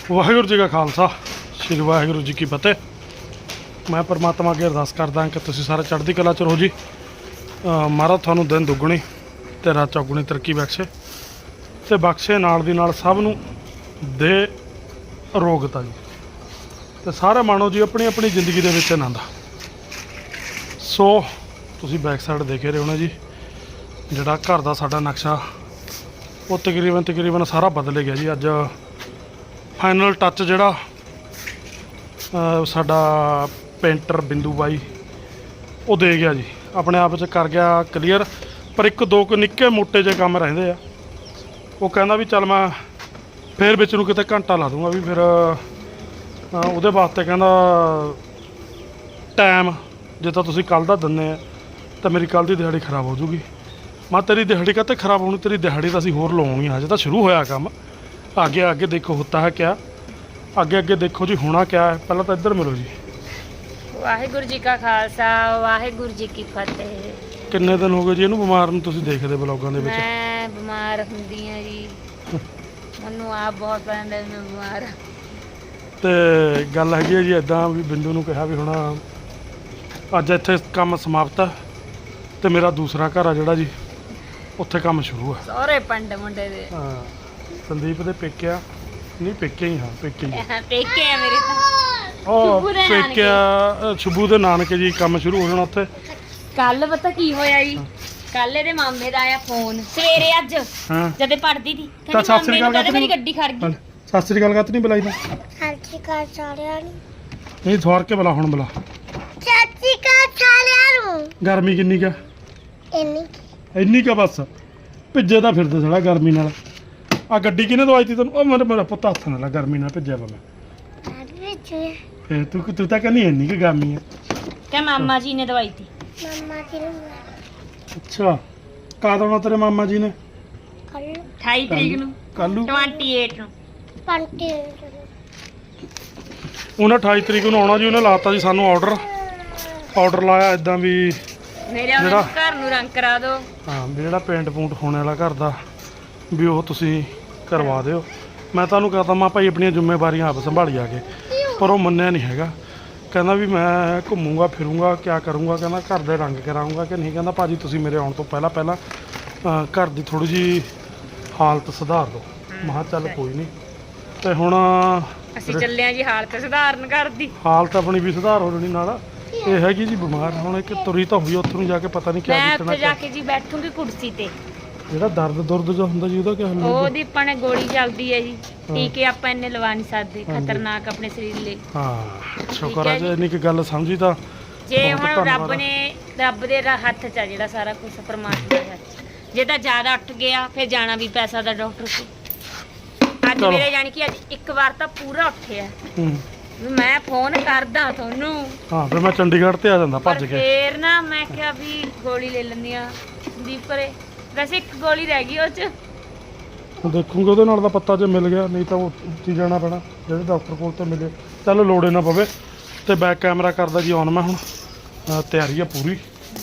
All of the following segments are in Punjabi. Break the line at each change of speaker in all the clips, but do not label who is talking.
ਵਾਹਿਗੁਰੂ ਜੀ ਕਾ ਖਾਲਸਾ ਸ੍ਰੀ ਵਾਹਿਗੁਰੂ ਜੀ ਕੀ ਫਤਿਹ। ਮੈਂ ਪਰਮਾਤਮਾ ਅੱਗੇ ਅਰਦਾਸ ਕਰਦਾ ਕਿ ਤੁਸੀਂ ਸਾਰੇ ਚੜ੍ਹਦੀ ਕਲਾ 'ਚ ਰਹੋ ਜੀ। ਮਹਾਰਾਜ ਤੁਹਾਨੂੰ ਦਿਨ ਦੁੱਗਣੀ ਤੇ ਰਾਤ ਚੌਗੁਣੀ ਤਰੱਕੀ ਬਖਸ਼ੇ ਤੇ ਬਖਸ਼ੇ ਨਾਲ ਦੀ ਨਾਲ ਸਭ ਨੂੰ ਦੇ ਅਰੋਗਤਾ ਜੀ ਤੇ ਸਾਰੇ ਮਾਣੋ ਜੀ ਆਪਣੀ ਆਪਣੀ ਜ਼ਿੰਦਗੀ ਦੇ ਵਿੱਚ ਆਨੰਦ। ਸੋ ਤੁਸੀਂ ਬੈਕ ਸਾਈਡ ਦੇਖੇ ਰਹੇ ਹੋ ਨਾ ਜੀ, ਜਿਹੜਾ ਘਰ ਦਾ ਸਾਡਾ ਨਕਸ਼ਾ ਉਹ ਤਕਰੀਬਨ ਸਾਰਾ ਬਦਲ ਗਿਆ ਜੀ। ਅੱਜ ਫਾਈਨਲ ਟੱਚ ਜਿਹੜਾ ਸਾਡਾ ਪੇਂਟਰ ਬਿੰਦੂ ਬਾਈ ਉਹ ਦੇ ਗਿਆ ਜੀ, ਆਪਣੇ ਆਪ 'ਚ ਕਰ ਗਿਆ ਕਲੀਅਰ। ਪਰ ਇੱਕ ਦੋ ਕੁ ਨਿੱਕੇ ਮੋਟੇ ਜਿਹੇ ਕੰਮ ਰਹਿੰਦੇ ਆ। ਉਹ ਕਹਿੰਦਾ ਵੀ ਚੱਲ ਮੈਂ ਫੇਰ ਵਿੱਚ ਨੂੰ ਕਿਤੇ ਘੰਟਾ ਲਾ ਦੂੰਗਾ ਵੀ ਫਿਰ ਉਹਦੇ ਵਾਸਤੇ ਕਹਿੰਦਾ ਟਾਈਮ ਜੇ ਤਾਂ ਤੁਸੀਂ ਕੱਲ੍ਹ ਦਾ ਦਿੰਦੇ ਆ ਤਾਂ ਮੇਰੀ ਕੱਲ੍ਹ ਦੀ ਦਿਹਾੜੀ ਖਰਾਬ ਹੋ ਜੂਗੀ। ਮੈਂ ਤੇਰੀ ਦਿਹਾੜੀ ਕਾਹਤੇ ਖਰਾਬ ਹੋਣੀ, ਤੇਰੀ ਦਿਹਾੜੀ ਤਾਂ ਅਸੀਂ ਹੋਰ ਲਵਾਉਣੀ ਆ, ਹਜੇ ਤਾਂ ਸ਼ੁਰੂ ਹੋਇਆ ਕੰਮ। आगे देखो होता है क्या, आगे देखो जी होना क्या है। पहला तो इधर मिलो जी।
वाहिगुरू जी का खालसा वाहिगुरू जी की फतेह।
किन्ने दिन हो गए जी इहनूं बिमार नूं तुसीं देखदे ब्लॉगां दे विच?
मैं बीमार हुंदी हां जी, मैनूं आप बहुत पसंद है, मैं बीमार हां।
ते गल हैगी है जी इदां भी बिंदू नूं कहा भी हुण अज इत्थे काम समाप्त है ते मेरा दूसरा घर आ जिहड़ा जी उत्थे काम शुरू है।
सारे पिंड मुंडे दे
हाँ संदीप दे पेके नहीं, पेके ही हाँ पेके ही
पेके है मेरे तो
पेके शुभू दे नानके जी काम शुरू हो जाना उत्थे।
कल पता की होया जी, कल ਇਹਦੇ ਮਾਮੇ ਦਾ ਆਇਆ ਫੋਨ ਸਵੇਰੇ ਅੱਜ ਜਦੇ ਪੜਦੀ ਸੀ।
ਤਾਂ ਸਤਿ ਸ੍ਰੀ ਅਕਾਲ
ਕਹਿੰਦੀ ਮੇਰੀ ਗੱਡੀ ਖੜ ਗਈ।
ਸਤਿ ਸ੍ਰੀ ਅਕਾਲ ਕਾਤ ਨਹੀਂ ਬੁਲਾਈ ਤਾਂ?
ਸਤਿ ਸ਼੍ਰੀ ਅਕਾਲ ਸਾਰਿਆਂ ਨੂੰ।
ਨਹੀਂ ਸਵਾਰ ਕੇ ਬੁਲਾ, ਹੁਣ ਬੁਲਾ।
ਸਤਿ ਸ਼੍ਰੀ ਅਕਾਲ ਸਾਰਿਆਂ ਨੂੰ।
ਗਰਮੀ ਕਿੰਨੀ ਕਾ? ਇੰਨੀ ਕਾ ਬਸ ਭਿੱਜੇ ਤਾਂ ਫਿਰਦੇ ਸਾਲਾ ਗਰਮੀ ਨਾਲ। ਆ ਗੱਡੀ ਕਿਹਨੇ ਦਵਾਈ ਤੀ ਤੈਨੂੰ? ਉਹ ਮੇਰਾ ਪੁੱਤ ਹੱਥ ਨਾਲ ਗਰਮੀ ਨਾਲ ਭਿੱਜਿਆ ਵਾ ਮੈਂ। ਫੇਰ ਤੂੰ ਤਾਂ ਕਹਿੰਦੀ ਇੰਨੀ ਕਿ ਗਰਮੀ ਆ
ਕਿ ਮਾਮਾ ਜੀ ਨੇ ਦਵਾਈ ਤੀ।
ਮੰਮਾ ਜੀ ਨੂੰ
ਅੱਛਾ ਕਦ ਆਉਣਾ ਤੇਰੇ ਮਾਮਾ ਜੀ ਨੇ?
ਕੱਲ
28 ਤਰੀਕ ਨੂੰ,
ਕੱਲ ਨੂੰ
28 ਨੂੰ।
ਪੰਟੀ
ਉਹਨੇ 28 ਤਰੀਕ ਨੂੰ ਆਉਣਾ ਜੀ। ਉਹਨੇ ਲਾਤਾ ਜੀ ਸਾਨੂੰ ਆਰਡਰ ਲਾਇਆ ਇਦਾਂ ਵੀ
ਮੇਰੇ ਉਹਨਾਂ ਘਰ ਨੂੰ ਰੰਗ ਕਰਾ ਦਿਓ।
ਹਾਂ ਵੀ ਜਿਹੜਾ ਪੇਂਟ ਪੂੰਟ ਹੋਣੇ ਵਾਲਾ ਘਰ ਦਾ ਵੀ ਉਹ ਤੁਸੀਂ ਕਰਵਾ ਦਿਓ। ਮੈਂ ਤੁਹਾਨੂੰ ਕਹਤਾ ਮੈਂ ਭਾਈ ਆਪਣੀਆਂ ਜ਼ਿੰਮੇਵਾਰੀਆਂ ਆਪ ਸੰਭਾਲੀ ਆ ਕੇ, ਪਰ ਉਹ ਮੰਨਿਆ ਨਹੀਂ ਹੈਗਾ। ਕਹਿੰਦਾ ਵੀ ਮੈਂ ਘੁੰਮੂੰਗਾ ਫਿਰੂੰਗਾ ਕਿਆ ਕਰੂੰਗਾ, ਕਹਿੰਦਾ ਘਰ ਦੇ ਰੰਗ ਕਰਾਊਂਗਾ ਕਿ ਨਹੀਂ। ਕਹਿੰਦਾ ਭਾਜੀ ਤੁਸੀਂ ਮੇਰੇ ਆਉਣ ਤੋਂ ਪਹਿਲਾਂ ਘਰ ਦੀ ਥੋੜ੍ਹੀ ਜਿਹੀ ਹਾਲਤ ਸੁਧਾਰ ਦਿਓ। ਮੈਂ ਕਿਹਾ ਚੱਲ ਕੋਈ ਨਹੀਂ। ਤੇ ਹੁਣ
ਅਸੀਂ ਚੱਲੇ ਆ ਜੀ ਹਾਲਤ ਸੁਧਾਰਨ ਕਰਦੀ।
ਹਾਲਤ ਆਪਣੀ ਵੀ ਸੁਧਾਰ ਹੋ ਜਾਣੀ ਨਾਲ। ਇਹ ਹੈਗੀ ਜੀ ਬਿਮਾਰ ਹੁਣ, ਇੱਕ ਤੁਰੀ ਤਾਂ ਹੋਈ ਉੱਥੋਂ ਨੂੰ ਜਾ ਕੇ ਪਤਾ ਨਹੀਂ ਕਿਆ
ਮੈਂ
ਦਿੱਤਣਾ।
ਉੱਥੇ ਜਾ ਕੇ ਜੀ ਬੈਠੂੰਗੀ ਕੁਰਸੀ ਤੇ।
ਜਿਹੜਾ ਦਰਦ ਜੋ ਹੁੰਦਾ ਜੀ ਉਹਦਾ ਕੀ ਹੱਲ?
ਉਹਦੀ ਆਪਾਂ ਨੇ ਗੋਲੀ ਚੱਲਦੀ ਹੈ ਜੀ, ਟੀਕੇ ਆਪਾਂ ਇੰਨੇ ਲਵਾ ਨਹੀਂ ਸਕਦੇ, ਖਤਰਨਾਕ ਆਪਣੇ ਸਰੀਰ ਲਈ।
ਹਾਂ ਸ਼ੁਕਰ ਆ ਜੇ ਇੰਨੀ ਕੁ ਗੱਲ ਸਮਝੀ ਤਾਂ।
ਜੇ ਹੁਣ ਰੱਬ ਦੇ ਹੱਥ 'ਚ ਆ ਜਿਹੜਾ ਸਾਰਾ ਕੁਝ, ਪਰਮਾਤਮਾ ਦੇ ਹੱਥ। ਜੇ ਤਾਂ ਜ਼ਿਆਦਾ ਉੱਠ ਗਿਆ ਫਿਰ ਜਾਣਾ ਵੀ ਪੈਸਾ ਦਾ ਡਾਕਟਰ ਕੋਲ। ਅੱਜ ਮੇਰੇ ਜਾਣੀ ਕਿ ਅੱਜ ਇੱਕ ਵਾਰ ਤਾਂ ਪੂਰਾ ਉੱਠਿਆ ਵੀ ਮੈਂ ਫੋਨ ਕਰਦਾ ਤੁਹਾਨੂੰ।
ਹਾਂ ਫਿਰ ਮੈਂ ਚੰਡੀਗੜ੍ਹ ਤੇ ਆ ਜਾਂਦਾ ਭੱਜ ਕੇ।
ਫੇਰ ਨਾ ਮੈਂ ਕਿਹਾ ਵੀ ਗੋਲੀ ਲੈ ਲੈਂਦੀ ਆ ਸੰਦੀਪ ਕਰੇ। ਵੈਸੇ ਇੱਕ ਗੋਲੀ ਰਹਿ ਗਈ ਉਹ 'ਚ,
ਦੇਖੂੰਗੇ ਉਹਦੇ ਨਾਲ ਦਾ ਪੱਤਾ ਜੇ ਮਿਲ ਗਿਆ, ਨਹੀਂ ਤਾਂ ਉੱਥੇ ਜਾਣਾ ਪੈਣਾ ਜਿਹੜੇ ਡਾਕਟਰ ਕੋਲ ਤੇ ਮਿਲੇ। ਚੱਲ ਲੋੜੇ ਨਾ ਪਵੇ। ਤੇ ਬੈਕ ਕੈਮਰਾ ਕਰਦਾ ਜੀ ਔਨ ਮੈਂ ਹੁਣ। ਤਿਆਰੀ ਆ ਪੂਰੀ।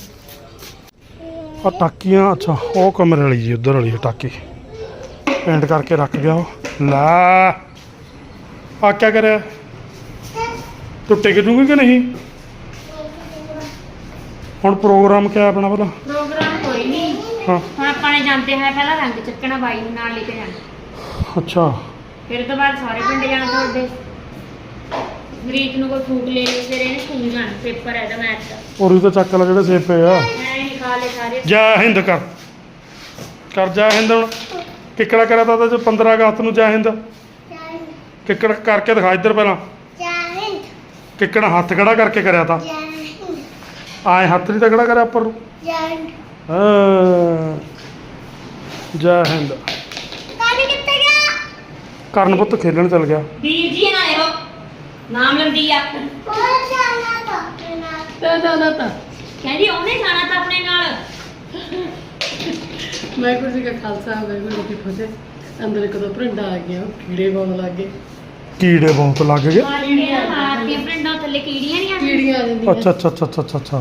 ਆ ਟਾਕੀਆਂ ਅੱਛਾ ਉਹ ਕਮਰੇ ਵਾਲੀ ਜੀ, ਉੱਧਰ ਵਾਲੀ ਟਾਕੀ ਪੇਂਟ ਕਰਕੇ ਰੱਖ ਗਿਆ ਉਹ। ਲੈ ਆ ਕਿਆ ਕਰਿਆ? ਟੁੱਟੇ ਕਿਜੂਗੀ ਕਿ ਨਹੀਂ? ਹੁਣ ਪ੍ਰੋਗਰਾਮ ਕਿਆ ਆਪਣਾ ਭਲਾ?
ਪ੍ਰੋਗਰਾਮ ਕੋਈ ਨਹੀਂ।
ਹਾਂ
ਹੁਣ ਆਪਾਂ ਨੇ ਜਾਂਦੇ ਹੋਏ ਪਹਿਲਾਂ ਰੰਗ ਚੱਕਣਾ, ਬਾਈ ਨੂੰ ਨਾਲ ਲੈ ਕੇ ਜਾਣਾ।
ਅੱਛਾ
ਫਿਰ ਤੋਂ ਬਾਅਦ ਸਾਰੇ ਪਿੰਡ ਜਾਣਾ ਤੁਹਾਡੇ। ਗਰੀਕ ਨੂੰ ਕੋਈ ਫੂਕ ਲੈ ਲਓ, ਫਿਰ ਇਹਨੇ ਸਕੂਲ ਜਾਣਾ, ਪੇਪਰ ਹੈ ਇਹਦਾ ਮੈਥ ਦਾ।
ਔਰ ਇਹ ਤਾਂ ਚੱਕ ਲੈ ਜਿਹੜੇ ਸੇਬ ਪਏ ਆ।
ਮੈਂ ਹੀ ਖਾ ਲਏ ਸਾਰੇ।
ਜੈ ਹਿੰਦ ਕਰ ਜੈ ਹਿੰਦ। ਹੁਣ ਕਿੱਕੜਾ ਕਰਿਆ ਤਾਂ ਉਹਦੇ 'ਚ 15 ਅਗਸਤ ਨੂੰ ਜੈ ਹਿੰਦ। ਕਿੱਕੜ ਕਰਕੇ ਦਿਖਾ ਇੱਧਰ ਪਹਿਲਾਂ। ਕਿੱਕੜਾ ਹੱਥ ਖੜਾ ਕਰਕੇ ਕਰਿਆ ਤਾਂ ਆਏ, ਹੱਥ ਨਹੀਂ ਤਗੜਾ ਕਰਿਆ ਉੱਪਰ ਨੂੰ। ਹਾਂ ਜੈ ਹਿੰਦ। ਕਰਨ ਪੁੱਤ ਖੇਲਣ ਚਲ ਗਿਆ।
ਵੀਰ ਜੀ ਨਾ ਇਹੋ ਨਾਮ ਲੰਦੀ ਆ। ਤਾਂ ਕਹਿੰਦੀ ਉਹਨੇ ਜਾਣਾ ਤਾਂ ਆਪਣੇ ਨਾਲ।
ਵਾਹਿਗੁਰੂ ਜੀ ਕਾ ਖਾਲਸਾ ਵਾਹਿਗੁਰੂ ਜੀ ਕੀ ਫਤਿਹ। ਅੰਦਰ ਇੱਕ ਦੋ ਭਰਿੰਡਾ ਆ ਗਿਆ, ਕੀੜੇ ਬਹੁਤ ਲੱਗ ਗਏ।
ਕੀੜੇ ਬਹੁਤ ਲੱਗ ਗਏ?
ਕੀੜੀਆਂ ਮਾਰਦੀਆਂ ਪਿੰਡਾਂ ਥੱਲੇ, ਕੀੜੀਆਂ ਨਹੀਂ ਆਉਂਦੀਆਂ।
ਕੀੜੀਆਂ ਆ ਜਾਂਦੀਆਂ।
ਅੱਛਾ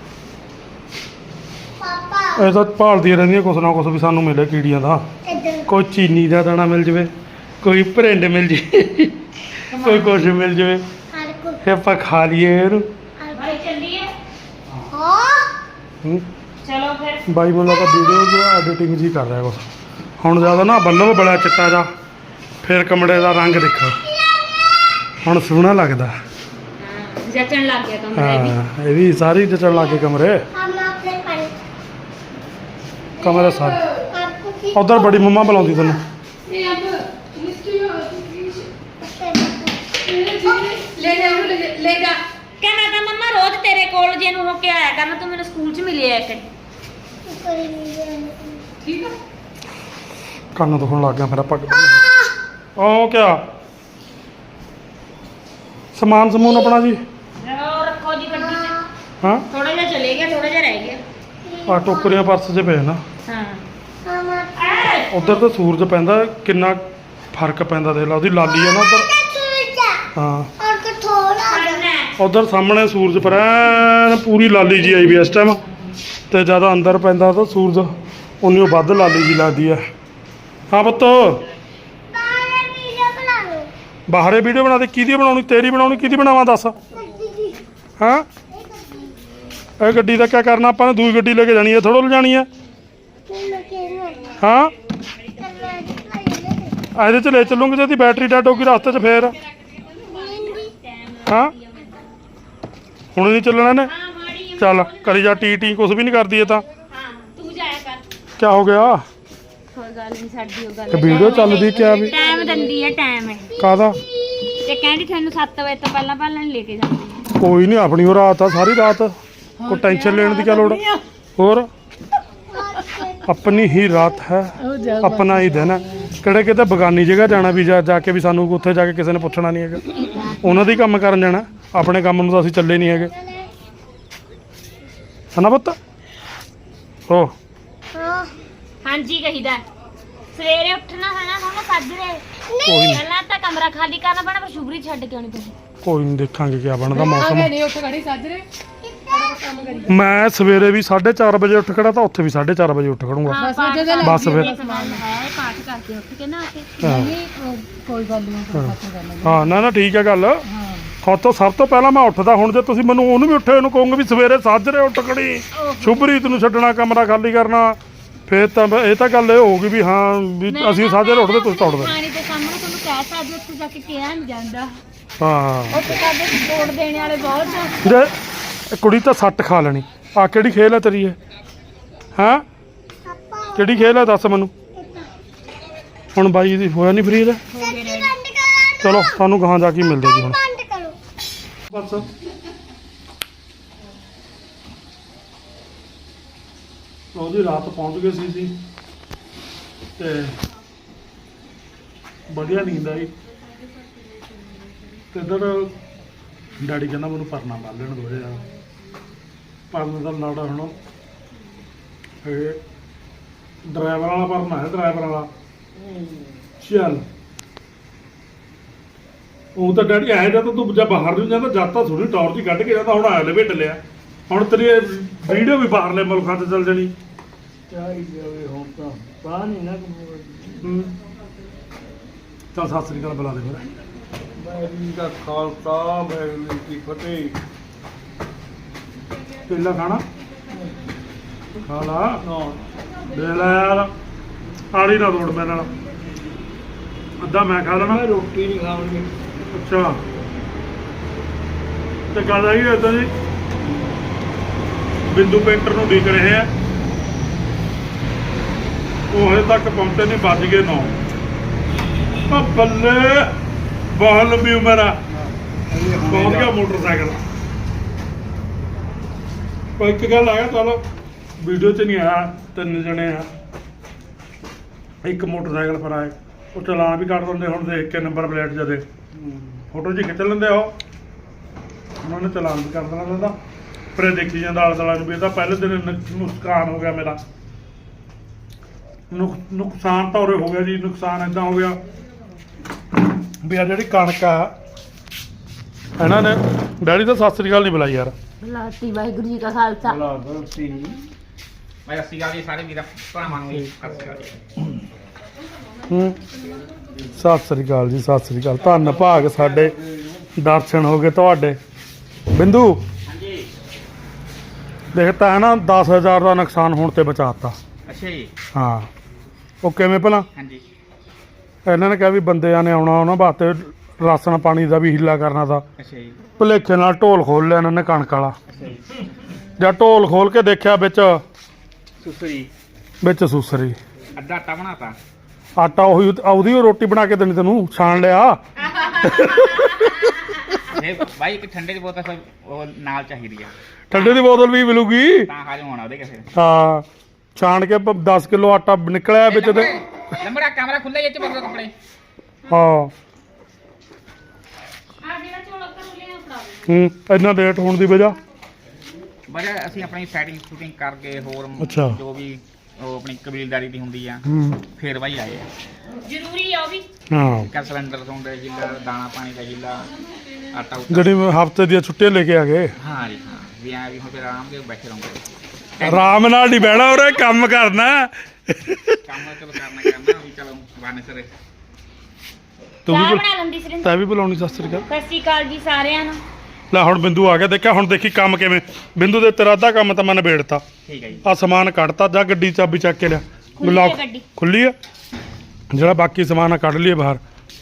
ਇਹ ਤਾਂ ਭਾਲਦੀਆਂ ਰਹਿੰਦੀਆਂ ਕੁਛ ਨਾ ਕੁਛ ਵੀ ਸਾਨੂੰ ਮਿਲੇ ਕੀੜੀਆਂ ਦਾ। ਕੋਈ ਚੀਨੀ ਦਾ ਦਾਣਾ ਮਿਲ ਜਵੇ, ਕੋਈ ਭਰਿੰਡ ਮਿਲ ਜੇ। ਕੋਈ ਕੁਛ ਮਿਲ ਜਾਵੇ
ਹਰ ਕੋ
ਫੇ ਆਪਾਂ ਖਾ ਲਈਏ ਇਹਨੂੰ
ਭਾਈ ਚੱਲੀਏ
ਹਾਂ
ਹੂੰ।
ਚਲੋ ਫਿਰ
ਬਾਈ ਮੈਨੂੰ ਲੱਗਾ ਵੀਡੀਓ ਦੀ ਐਡੀਟਿੰਗ ਜੀ ਕਰ ਰਿਹਾ ਕੁਛ ਹੁਣ ਜ਼ਿਆਦਾ ਨਾ ਬੱਲਬ ਬੜਾ ਚਿੱਟਾ ਜਾ ਫਿਰ ਕਮਰੇ ਦਾ ਰੰਗ ਦੇਖੋ ਹੁਣ ਸੋਹਣਾ ਲੱਗਦਾ
ਜਚਣ ਲੱਗ ਗਿਆ ਕਮਰਾ ਵੀ
ਹਾਂ ਇਹ ਵੀ ਸਾਰੀ ਜਚਣ ਲੱਗੇ ਕਮਰੇ
ਹਮ ਆਪਣੇ ਪਾਣੀ
ਕਮਰੇ ਸਾਰੇ
ਆਪਕੋ ਕੀ
ਉਧਰ ਬੜੀ ਮੰਮਾ ਬੁਲਾਉਂਦੀ ਤੈਨੂੰ
ਇਹ ਅਬ ਮਿਸਟੀ ਲੈ ਜਾ
ਕਹਿੰਦਾ ਤਾਂ ਮੰਮਾ ਰੋਜ਼ ਤੇਰੇ ਕੋਲ ਜੇ ਨੂੰ ਹੋ ਕੇ ਆਇਆ ਕਰਨਾ ਤੂੰ ਮੈਨੂੰ ਸਕੂਲ 'ਚ ਮਿਲਿਆ ਕਿ
ਠੀਕ ਆ
ਕੰਨ ਦੁਖਣ ਲੱਗ ਗਿਆ ਫਿਰ ਆਪਾਂ ਉਹ ਕਿਆ ਸਮਾਨ ਸਮੂਨ ਆਪਣਾ ਜੀ
ਉਹ ਰੱਖੋ ਜੀ ਗੱਡੀ 'ਚ
ਹਾਂ
ਥੋੜਾ ਜਿਹਾ ਚਲੇ ਗਿਆ ਥੋੜਾ ਜਿਹਾ ਰਹਿ ਗਿਆ
ਆ ਟੋਕਰੀਆਂ ਪਰਸ 'ਚ ਪਏ ਨਾ
ਹਾਂ
ਮਾਮਾ
ਉਧਰ ਤਾਂ ਸੂਰਜ ਪੈਂਦਾ ਕਿੰਨਾ ਫਰਕ ਪੈਂਦਾ ਦੇਖ ਲਾ ਉਹਦੀ ਲਾਲੀ ਆ ਨਾ ਉਧਰ
ਚੂਚਾ
ਹਾਂ
ਔਰ ਕਠੋਲਾ
ਉਧਰ ਸਾਹਮਣੇ ਸੂਰਜ ਪਰ ਐਨ ਪੂਰੀ ਲਾਲੀ ਜੀ ਆਈ ਵੀ ਇਸ ਟਾਈਮ ਤੇ ਜਿਆਦਾ ਅੰਦਰ ਪੈਂਦਾ ਤਾਂ ਸੂਰਜ ਉਨੀ ਓ ਵੱਧ ਲਾਲੀ ਜੀ ਲੱਗਦੀ ਆ ਹਾਂ ਪੁੱਤ
ਬਾਹਰ ਵੀਡੀਓ ਬਣਾ ਲਓ
ਬਾਹਰੇ ਵੀਡੀਓ ਬਣਾ ਦੇ ਕਿਹਦੀ ਬਣਾਉਣੀ ਤੇਰੀ ਬਣਾਉਣੀ ਕਿਹਦੀ ਬਣਾਵਾਂ ਦੱਸ
ਗੱਡੀ
ਹਾਂ ਇਹ ਗੱਡੀ ਦਾ ਕੀ ਕਰਨਾ ਆਪਾਂ ਨੇ ਦੂਜੀ ਗੱਡੀ ਲੈ ਕੇ ਜਾਣੀ ਹੈ ਥੋੜੋ ਲਿਜਾਣੀ ਹੈ
ਮੈਂ ਕਿਹਨੂੰ
ਹਾਂ
ਕਰਨਾ ਦਿਖਾਈ
ਇਹਦੇ ਚ ਲੈ ਚੱਲੂਗੇ ਜੇ ਇਹਦੀ ਬੈਟਰੀ ਡੈਡ ਹੋ ਗਈ ਰਸਤੇ 'ਚ ਫੇਰ ਹਾਂ ਹੁਣ ਨਹੀਂ ਚੱਲਣਾ ਨੇ
ਹਾਂ ਮਾੜੀ
ਚੱਲ ਕਰੀ ਜਾ ਟੀ ਕੁਛ ਵੀ ਨਹੀਂ ਕਰਦੀ ਇਹ ਤਾਂ
ਹਾਂ ਤੂੰ ਜਾਇਆ ਕਰ
ਕੀ ਹੋ ਗਿਆ
ਕੋਈ ਗੱਲ ਨਹੀਂ ਸਾਡੀ ਉਹ ਗੱਲ
ਤੇ ਵੀਡੀਓ ਚੱਲਦੀ ਕਿਆ ਵੀ
ਟਾਈਮ ਦਿੰਦੀ ਹੈ ਟਾਈਮ ਹੈ
ਕਾਹਦਾ
ਤੇ ਕਹਿੰਦੀ ਤੁਹਾਨੂੰ 7 ਵਜੇ ਤੋਂ ਪਹਿਲਾਂ ਪਹਿਲਾਂ ਨਹੀਂ ਲੈ ਕੇ ਜਾਂਦੀ
ਕੋਈ ਨਹੀਂ ਆਪਣੀ ਉਹ ਰਾਤ ਆ ਸਾਰੀ ਰਾਤ ਕੋਈ ਟੈਨਸ਼ਨ ਲੈਣ ਦੀ ਕੀ ਲੋੜ ਹੋਰ ਆਪਣੀ ਹੀ ਰਾਤ ਹੈ
ਉਹ ਜਾ
ਆਪਣਾ ਹੀ ਦਿਨ ਹੈ ਕਿਹੜੇ ਕਿਤੇ ਬਗਾਨੀ ਜਗ੍ਹਾ ਜਾਣਾ ਵੀ ਜਾ ਕੇ ਵੀ ਸਾਨੂੰ ਉੱਥੇ ਜਾ ਕੇ ਕਿਸੇ ਨੇ ਪੁੱਛਣਾ ਨਹੀਂ ਹੈਗਾ ਉਹਨਾਂ ਦੀ ਕੰਮ ਕਰਨ ਜਾਣਾ ਆਪਣੇ ਕੰਮ ਨੂੰ ਤਾਂ ਅਸੀਂ ਚੱਲੇ ਨਹੀਂ ਹੈਗੇ ਹਨਾ ਪੁੱਤ ਹੋ
ਹਾਂ
ਹਾਂਜੀ ਕਹੀਦਾ ਸਵੇਰੇ ਉੱਠਣਾ ਹੈ ਨਾ ਹੁਣ ਸਾਜਰੇ
ਕੋਈ ਨਹੀਂ
ਪਹਿਲਾਂ ਤਾਂ ਕਮਰਾ ਖਾਲੀ ਕਰਨਾ ਪੈਣਾ ਪਰ ਸ਼ੁਭਰੀ ਛੱਡ ਕੇ ਆਉਣੀ ਤੁਸੀਂ
ਕੋਈ ਨਹੀਂ ਦੇਖਾਂਗੇ ਕੀ ਬਣਦਾ
ਆ
ਮੌਸਮ
ਗਏ ਨਹੀਂ ਉੱਠ ਖੜੀ ਸਾਜਰੇ ਕੰਮ ਕਰੀ
ਮੈਂ ਸਵੇਰੇ ਵੀ 4:30 ਵਜੇ ਉੱਠ ਖੜਾ ਤਾਂ ਉੱਥੇ ਵੀ 4:30 ਵਜੇ ਉੱਠ ਖੜੂੰਗਾ
ਬਸ ਉਹ ਜਦੋਂ
ਬਸ ਫਿਰ
ਸਮਾਨ ਹੈ ਪਾਠ ਕਰਕੇ ਉੱਠ ਕੇ ਨਾ ਆ ਕੇ
ਹਾਂ
ਕੋਈ ਗੱਲ ਨਹੀਂ ਖਤਮ ਕਰ ਲਾਂਗੇ
ਹਾਂ ਨਾ ਠੀਕ ਹੈ ਗੱਲ
ਹਾਂ
ਖਾਤੋਂ ਸਭ ਤੋਂ ਪਹਿਲਾਂ ਮੈਂ ਉੱਠਦਾ ਹੁਣ ਜੇ ਤੁਸੀਂ ਮੈਨੂੰ ਉਹਨੂੰ ਵੀ ਉੱਠੇ ਉਹਨੂੰ ਕਹੋਗੇ ਵੀ ਸਵੇਰੇ ਸਾਜਰੇ ਉੱਠ ਖੜੀ ਸ਼ੁਭਰੀਤ ਨੂੰ ਛੱਡਣਾ ਕਮਰਾ ਖਾਲੀ ਕਰਨਾ ਫੇਰ ਤਾਂ ਇਹ ਤਾਂ ਗੱਲ ਇਹ ਹੋਊਗੀ ਵੀ ਹਾਂ ਵੀ ਅਸੀਂ ਸਾਜਰੇ ਉੱਠਦੇ ਤੁਸੀਂ ਤਾਂ ਉੱਠਦੇ
ਪਾਣੀ ਦੇ ਸਾਹਮਣੇ ਤੁਹਾਨੂੰ ਕਹਿ ਸਕਦੇ ਉੱਥੇ ਜਾ ਕੇ ਕਿਹਾ ਨਹੀਂ ਜਾਂਦਾ
ਹਾਂ
ਉੱਥੇ ਸਾਡੇ ਸਪੋਰਟ ਦੇਣ ਵਾਲੇ ਬਹੁਤ ਆ
ਜੇ ਇਹ ਕੁੜੀ ਤਾਂ ਸੱਟ ਖਾ ਲੈਣੀ ਆ ਕਿਹੜੀ ਖੇਲ ਹੈ ਤੇਰੀ ਇਹ ਹਾਂ ਕਿਹੜੀ ਖੇਲ ਹੈ ਦੱਸ ਮੈਨੂੰ ਹੁਣ ਬਾਈ ਦੀ ਹੋਇਆ ਨਹੀਂ ਫਰੀ ਦਾ
ਬੰਦ ਕਰੋ
ਚਲੋ ਤੁਹਾਨੂੰ ਗਾਹਾਂ ਜਾ ਕੇ ਹੀ ਮਿਲਦੇ ਜੀ ਹੁਣ
ਬੰਦ ਕਰੋ
ਬਸ ਉਹਦੀ ਰਾਤ ਪਹੁੰਚ ਗਏ ਸੀ ਤੇ ਵਧੀਆ ਨੀਂਦ ਆਈ ਤੇ ਇੱਧਰ ਡੈਡੀ ਕਹਿੰਦਾ ਮੈਨੂੰ ਪਰਨਾ ਬੰਨ ਲੈਣ ਦੋ ਯਾਰ ਪਰਨ ਦਾ ਨਾੜਾ ਹੁਣ ਇਹ ਡਰਾਈਵਰ ਵਾਲਾ ਪਰਨਾ ਹੈ ਡਰਾਈਵਰ ਵਾਲਾ ਚੱਲ ਉਹ ਤਾਂ ਡੈਡੀ ਆਇਆ ਜਦ ਤੂੰ ਜਾਂ ਬਾਹਰ ਨੂੰ ਜਾਂਦਾ ਜਦ ਤਾਂ ਥੋੜੀ ਟੌਰ ਜੀ ਕੱਢ ਕੇ ਜਾਂਦਾ ਹੁਣ ਆਲੇ ਵੇਟ ਲਿਆ ਹੁਣ ਤੇਰੀ ਵੀਡੀਓ ਵੀ ਬਾਹਰਲੇ ਮੁਲਕਾਂ 'ਚ ਚੱਲ ਜਾਣੀ
ਹੁਣ ਤਾਂ ਪਾ ਨਹੀਂ ਨਾ
ਹੂੰ। ਚੱਲ ਸਤਿ ਸ੍ਰੀ ਅਕਾਲ ਬੁਲਾ ਦੇ ਫਿਰ
ਵਾਹਿਗੁਰੂ ਦਾ ਖਾਲਸਾ ਵਾਹਿਗੁਰੂ ਜੀ ਕੀ ਫਤਿਹ
ਕੇਲਾ ਖਾਣਾ ਖਾ ਲਾ
ਨਾ
ਦੇ ਲੈ ਯਾਰ ਆੜੀ ਨਾ ਤੋੜ ਮੇਰੇ ਨਾਲ ਅੱਧਾ ਮੈਂ ਖਾ ਲੈਣਾ
ਮੈਂ ਰੋਟੀ ਨਹੀਂ ਖਾਣੀ
ਅੱਛਾ ਤੇ ਗੱਲ ਆਈ ਏਦਾਂ ਜੀ ਬਿੰਦੂ ਪੇਂਟਰ ਨੂੰ ਦੇਖ ਰਹੇ ਆ ਉਹ ਹਜੇ ਤੱਕ ਪਹੁੰਚੇ ਨਹੀਂ ਵੱਜ ਗਏ 9 ਆ ਬੱਲੇ ਬਹੁਤ ਲੰਬੀ ਉਮਰ ਆ ਪਹੁੰਚ ਗਿਆ ਮੋਟਰਸਾਈਕਲ ਪਰ ਇੱਕ ਗੱਲ ਆਇਆ ਚਲੋ ਵੀਡੀਓ 'ਚ ਨਹੀਂ ਆਇਆ 3 ਜਣੇ ਆ ਇੱਕ ਮੋਟਰਸਾਈਕਲ ਪਰ ਆਏ ਉਹ ਚਲਾਨ ਵੀ ਕੱਢ ਦਿੰਦੇ ਹੁਣ ਦੇਖ ਕੇ ਨੰਬਰ ਪਲੇਟ ਜਦੇ ਫੋਟੋ ਜੀ ਖਿੱਚ ਲੈਂਦੇ ਉਹ ਉਹਨਾਂ ਨੇ ਚਲਾਨ ਵੀ ਕਰ ਦੇਣਾ ਉਹਦਾ ਫਿਰ ਇਹ ਦੇਖੀ ਜਾਂਦਾ ਆਲੇ ਦੁਆਲੇ ਨੂੰ ਵੀ ਇਹਦਾ ਪਹਿਲੇ ਦਿਨ ਨੁਕਸਾਨ ਹੋ ਗਿਆ ਮੇਰਾ ਨੁਕਸਾਨ ਤਾਂ ਉਰੇ ਹੋ ਗਿਆ ਜੀ ਨੁਕਸਾਨ ਇਦਾਂ ਹੋ ਗਿਆ ਵੀ ਆ ਜਿਹੜੀ ਕਣਕ ਆ ਇਹਨਾਂ ਨੇ ਡੈਡੀ ਤਾਂ ਸਤਿ ਸ੍ਰੀ ਅਕਾਲ ਨਹੀਂ ਬੁਲਾਈ ਯਾਰ
ਲਾਤੀ ਵਾਹਿਗੁਰੂ ਜੀ ਕਾ ਖਾਲਸਾ
ਬਲਾ ਗਲਤੀ
ਮੈਂ ਅਸੀਂ ਗੱਲ ਜੀ ਸਾਰੇ ਵੀਰਾਂ ਭਰਾਵਾਂ ਨੂੰ ਜੀ ਸਤਿ ਸ਼੍ਰੀ ਅਕਾਲ ਜੀ।
ਸਤਿ ਸ੍ਰੀ ਅਕਾਲ ਜੀ, ਸਤਿ ਸ੍ਰੀ ਅਕਾਲ। ਧੰਨ ਭਾਗ ਸਾਡੇ, ਦਰਸ਼ਨ ਹੋ ਗਏ ਤੁਹਾਡੇ। ਬਿੰਦੂ ਦੇਖਤਾ ਹੈ ਨਾ 10,000 ਦਾ ਨੁਕਸਾਨ ਹੋਣ ਤੇ ਬਚਾਤਾ।
ਅੱਛਾ ਜੀ।
ਹਾਂ ਉਹ ਕਿਵੇਂ ਭਲਾ?
ਹਾਂਜੀ
ਇਹਨਾਂ ਨੇ ਕਿਹਾ ਵੀ ਬੰਦਿਆਂ ਨੇ ਆਉਣਾ, ਉਹਨਾਂ ਵਾਸਤੇ ਰਾਸ਼ਨ ਪਾਣੀ ਦਾ ਵੀ ਹੀਲਾ ਕਰਨਾ ਤਾ।
ਅੱਛਾ ਜੀ।
ਭੁਲੇਖੇ ਨਾਲ ਢੋਲ ਖੋਲ ਲਿਆ ਇਹਨਾਂ ਨੇ ਕਣਕ ਵਾਲਾ।
ਅੱਛਾ ਜੀ।
ਜਾਂ ਢੋਲ ਖੋਲ ਕੇ ਦੇਖਿਆ
ਸੁਸਰੀ
ਵਿੱਚ ਸੂਸਰੀ
ਅੱਧਾ ਆਟਾ ਬਣਾਤਾ।
ਆਟਾ ਉਹਦੀ ਉਹ ਰੋਟੀ ਬਣਾ ਕੇ ਦੇਣੀ ਤੈਨੂੰ, ਛਾਣ ਲਿਆ।
ਇਹ ਬਾਈ ਇੱਕ ਠੰਡੇ ਦੀ ਬੋਤਲ ਫਿਰ ਉਹ ਨਾਲ ਚਾਹੀਦੀ ਆ,
ਠੰਡੇ ਦੀ ਬੋਤਲ ਵੀ ਮਿਲੂਗੀ।
ਤਾਂ ਹਾਜ਼ਮ ਹੋਣਾ ਉਹਦੇ ਕਿਸੇ।
ਹਾਂ ਛਾਣ ਕੇ 10 ਕਿਲੋ ਆਟਾ ਨਿਕਲਿਆ ਵਿੱਚ ਤੇ।
ਲੰਬੜਾ ਕਮਰਾ ਖੁੱਲਾ ਹੀ, ਇਹ ਚ ਪਾ ਦਿਓ ਕੱਪੜੇ।
ਹਾਂ
ਆ ਜਿਹੜਾ ਝੋਲਾ ਕਰ ਲਿਆ ਫੜਾ
ਇੰਨਾ ਲੇਟ ਹੋਣ ਦੀ ਵਜ੍ਹਾ
ਬਸ ਅਸੀਂ ਆਪਣੀ ਸੈਟਿੰਗ ਸ਼ੂਟਿੰਗ ਕਰਕੇ ਹੋਰ
ਅੱਛਾ।
ਜੋ ਵੀ ਉਹ ਆਪਣੀ ਕਬੀਲਦਾਰੀ ਦੀ ਹੁੰਦੀ ਆ ਫੇਰ ਬਾਈ ਆਏ ਆ।
ਜ਼ਰੂਰੀ ਆ ਉਹ ਵੀ।
ਹਾਂ
ਇੱਕ ਸਿਲੰਡਰ ਤੋਂ ਦਾ ਹੀਲਾ, ਦਾਣਾ ਪਾਣੀ ਦਾ ਹੀਲਾ, ਆਟਾ ਉਟਾ।
ਜਿਹੜੀ ਹਫਤੇ ਦੀਆਂ ਛੁੱਟੀਆਂ ਲੈ ਕੇ ਆ ਗਏ।
ਹਾਂ ਜੀ ਹਾਂ, ਵੀ ਆ ਵੀ ਹੁਣ ਫਿਰ ਆਰਾਮ ਨਾਲ ਬੈਠੇ ਰਹੋਗੇ।
ਆਰਾਮ ਨਾਲ ਨਹੀਂ ਬਹਿਣਾ, ਉਰੇ ਕੰਮ ਕਰਨਾ।
ਕੰਮ ਚਲੋ ਕਰਨਾ ਵੀ ਚਲੋ ਬਾਨੇ ਸਰੇ।
ਤੂੰ
ਚਾਹ
ਵੀ
ਬਣਾ ਲੈਂਦੀ ਸਰਿੰਦਰ।
ਤੈਂ ਵੀ ਬੁਲਾਉਣੀ? ਸਤਿ ਸ੍ਰੀ ਅਕਾਲ।
ਸਤਿ ਸ਼੍ਰੀ ਅਕਾਲ ਜੀ ਸਾਰਿਆਂ ਨੂੰ।
ਲੈ ਹੁਣ ਬਿੰਦੂ ਆ ਗਿਆ, ਦੇਖਿਆ ਹੁਣ ਦੇਖੀ ਕੰਮ ਕਿਵੇਂ। ਬਿੰਦੂ ਦੇ ਤੇਰਾ ਅੱਧਾ ਕੰਮ ਤਾਂ ਮੈਂ ਨਿਬੇੜਤਾ।
ਠੀਕ ਹੈ ਜੀ।
ਆ ਸਮਾਨ ਕੱਢਤਾ, ਜਾ ਗੱਡੀ ਦੀ ਚਾਬੀ ਚੱਕ ਕੇ ਲਿਆ।
ਖੁੱਲੀ ਹੈ ਗੱਡੀ।
ਖੁੱਲੀ ਆ, ਜਿਹੜਾ ਬਾਕੀ ਸਮਾਨ ਆ ਕੱਢ ਲਈਏ ਬਾਹਰ।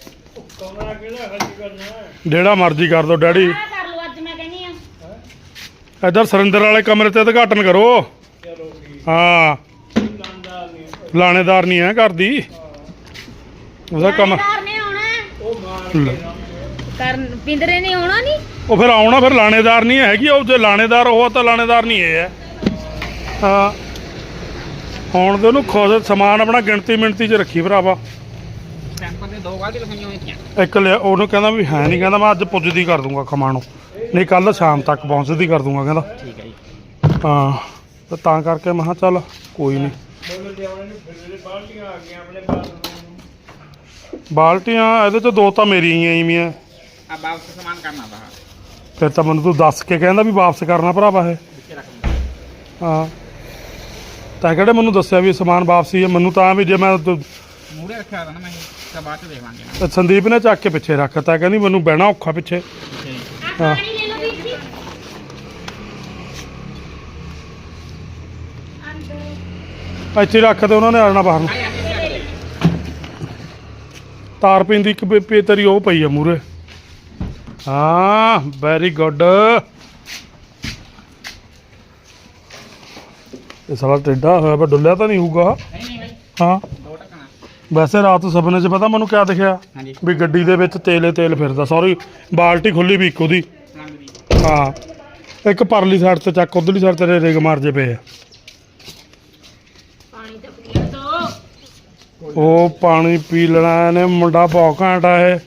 ਜਿਹੜਾ ਮਰਜ਼ੀ ਕਰ ਦੋ ਡੈਡੀ।
ਸਾਰਾ ਕਰ ਲਓ ਅੱਜ, ਮੈਂ ਕਹਿੰਦੀ ਆ।
ਇੱਧਰ ਸਰਿੰਦਰ ਵਾਲੇ ਕਮਰੇ ਤੇ ਉਦਘਾਟਨ ਕਰੋ। ਹਾਂ ਲਾਣੇਦਾਰ ਨਹੀਂ ਹੈ ਘਰ ਦੀ, ਉਹਦਾ ਕੰਮ।
ਲਾਣੇਦਾਰ ਨੇ ਆਉਣਾ,
ਲੈ,
ਕਰਨ ਪਿੰਦਰੇ ਨੇ ਆਉਣਾ ਨਹੀਂ।
ਉਹ ਫਿਰ ਆਉਣਾ, ਫਿਰ ਲਾਣੇਦਾਰ ਨਹੀਂ ਹੈਗੀ ਉਹ। ਜੇ ਲਾਣੇਦਾਰ ਉਹ ਤਾਂ ਲਾਣੇਦਾਰ ਨਹੀਂ ਇਹ ਹੈ। ਹਾਂ ਹੁਣ ਦੇ ਉਹਨੂੰ ਖੁਦ ਸਮਾਨ ਆਪਣਾ ਗਿਣਤੀ ਮਿਣਤੀ 'ਚ ਰੱਖੀ ਭਰਾਵਾ।
ਸਟੈਂਪਾਂ ਤੇ ਦੋ ਗਾੜੀ ਲਿਖਾਈਆਂ ਹੋਈਆਂ।
ਇੱਕ ਲਿਆ, ਉਹਨੂੰ ਕਹਿੰਦਾ ਵੀ ਹੈ ਨਹੀਂ, ਕਹਿੰਦਾ ਮੈਂ ਅੱਜ ਪੁੱਜਦੀ ਕਰ ਦੂੰਗਾ ਖਮਾਣੋਂ, ਨਹੀਂ ਕੱਲ ਸ਼ਾਮ ਤੱਕ ਪਹੁੰਚਦੀ ਕਰ ਦੂੰਗਾ ਕਹਿੰਦਾ।
ਠੀਕ ਹੈ ਜੀ।
ਹਾਂ ਤੇ ਤਾਂ ਕਰਕੇ ਮੈਂ ਕਿਹਾ ਚੱਲ ਕੋਈ ਨਹੀਂ। ਬਾਲਟੀਆਂ ਇਹਦੇ 'ਚ ਦੋ ਤਾਂ ਮੇਰੀਆਂ ਹੀ ਆ।
ਆ ਵਾਪਸ ਸਮਾਨ ਕਰਨਾ ਦਾ
ਫਿਰ ਤਾਂ ਮੈਨੂੰ ਤੂੰ ਦੱਸ ਕੇ ਕਹਿੰਦਾ ਵੀ ਵਾਪਸ ਕਰਨਾ ਭਰਾਵਾ ਇਹ।
ਵਿੱਚੇ ਰੱਖ ਲਓ।
ਹਾਂ ਤਾਂ ਕਿਹੜੇ ਮੈਨੂੰ ਦੱਸਿਆ ਵੀ ਸਮਾਨ ਵਾਪਸੀ ਹੈ? ਮੈਨੂੰ ਤਾਂ ਵੀ ਜੇ ਮੈਂ
ਮੂਹਰੇ ਰੱਖਿਆ ਹੋਇਆ ਨਾ ਮੈਂ, ਤਾਂ ਬਾਅਦ ਚ ਦੇਖ ਲਾਂਗੇ।
ਸੰਦੀਪ ਨੇ ਚੱਕ ਕੇ ਪਿੱਛੇ ਰੱਖਤਾ, ਕਹਿੰਦੀ ਮੈਨੂੰ ਬਹਿਣਾ ਔਖਾ ਪਿੱਛੇ।
ਅੱਛਾ ਜੀ।
ਆ
ਹਾਂ।
ਪਾਣੀ ਲੈ ਲਓ ਵੀਰ ਜੀ।
ਇੱਥੇ ਹੀ ਰੱਖ ਤੇ ਉਹਨਾਂ ਨੇ ਆਣਾ ਬਾਹਰ ਨੂੰ। ਤਾਰ ਪੈਂਦੀ ਇੱਕ ਤੇਰੀ ਉਹ ਪਈ ਆ ਮੂਰੇ। ਹਾਂ ਵੈਰੀ ਗੁੱਡ। ਇਹ ਸਾਲਾ ਟੇਢਾ ਹੋਇਆ ਪਰ ਡੁੱਲਿਆ ਤਾਂ ਨਹੀਂ ਹੋਊਗਾ।
ਨਹੀਂ ਬਾਈ,
ਹਾਂ
ਦੋ ਟੱਕਣਾ।
ਵੈਸੇ ਰਾਤ ਸੁਪਨੇ 'ਚ ਪਤਾ ਮੈਨੂੰ ਕਿਆ ਦਿਖਿਆ?
ਹਾਂਜੀ।
ਵੀ ਗੱਡੀ ਦੇ ਵਿੱਚ ਤੇਲ ਫਿਰਦਾ। ਸੌਰੀ ਬਾਲਟੀ ਖੁੱਲੀ ਵੀ ਇੱਕ ਉਹਦੀ।
ਰੰਗ ਦੀ।
ਹਾਂ ਇੱਕ ਪਰਲੀ ਸਾਈਡ ਤੇ ਚੱਕ, ਉਧਰਲੀ ਸਾਈਡ ਤੇਰੇ ਰਿਗ ਮਾਰ ਜੇ ਪਏ ਆ।
ਪਾਣੀ ਤਾਂ ਪੀਣ ਦੋ।
ਉਹ ਪਾਣੀ ਪੀ ਲੈਣਾ ਇਹਨੇ, ਮੁੰਡਾ ਬਹੁਤ ਘੈਂਟ ਆ ਇਹ।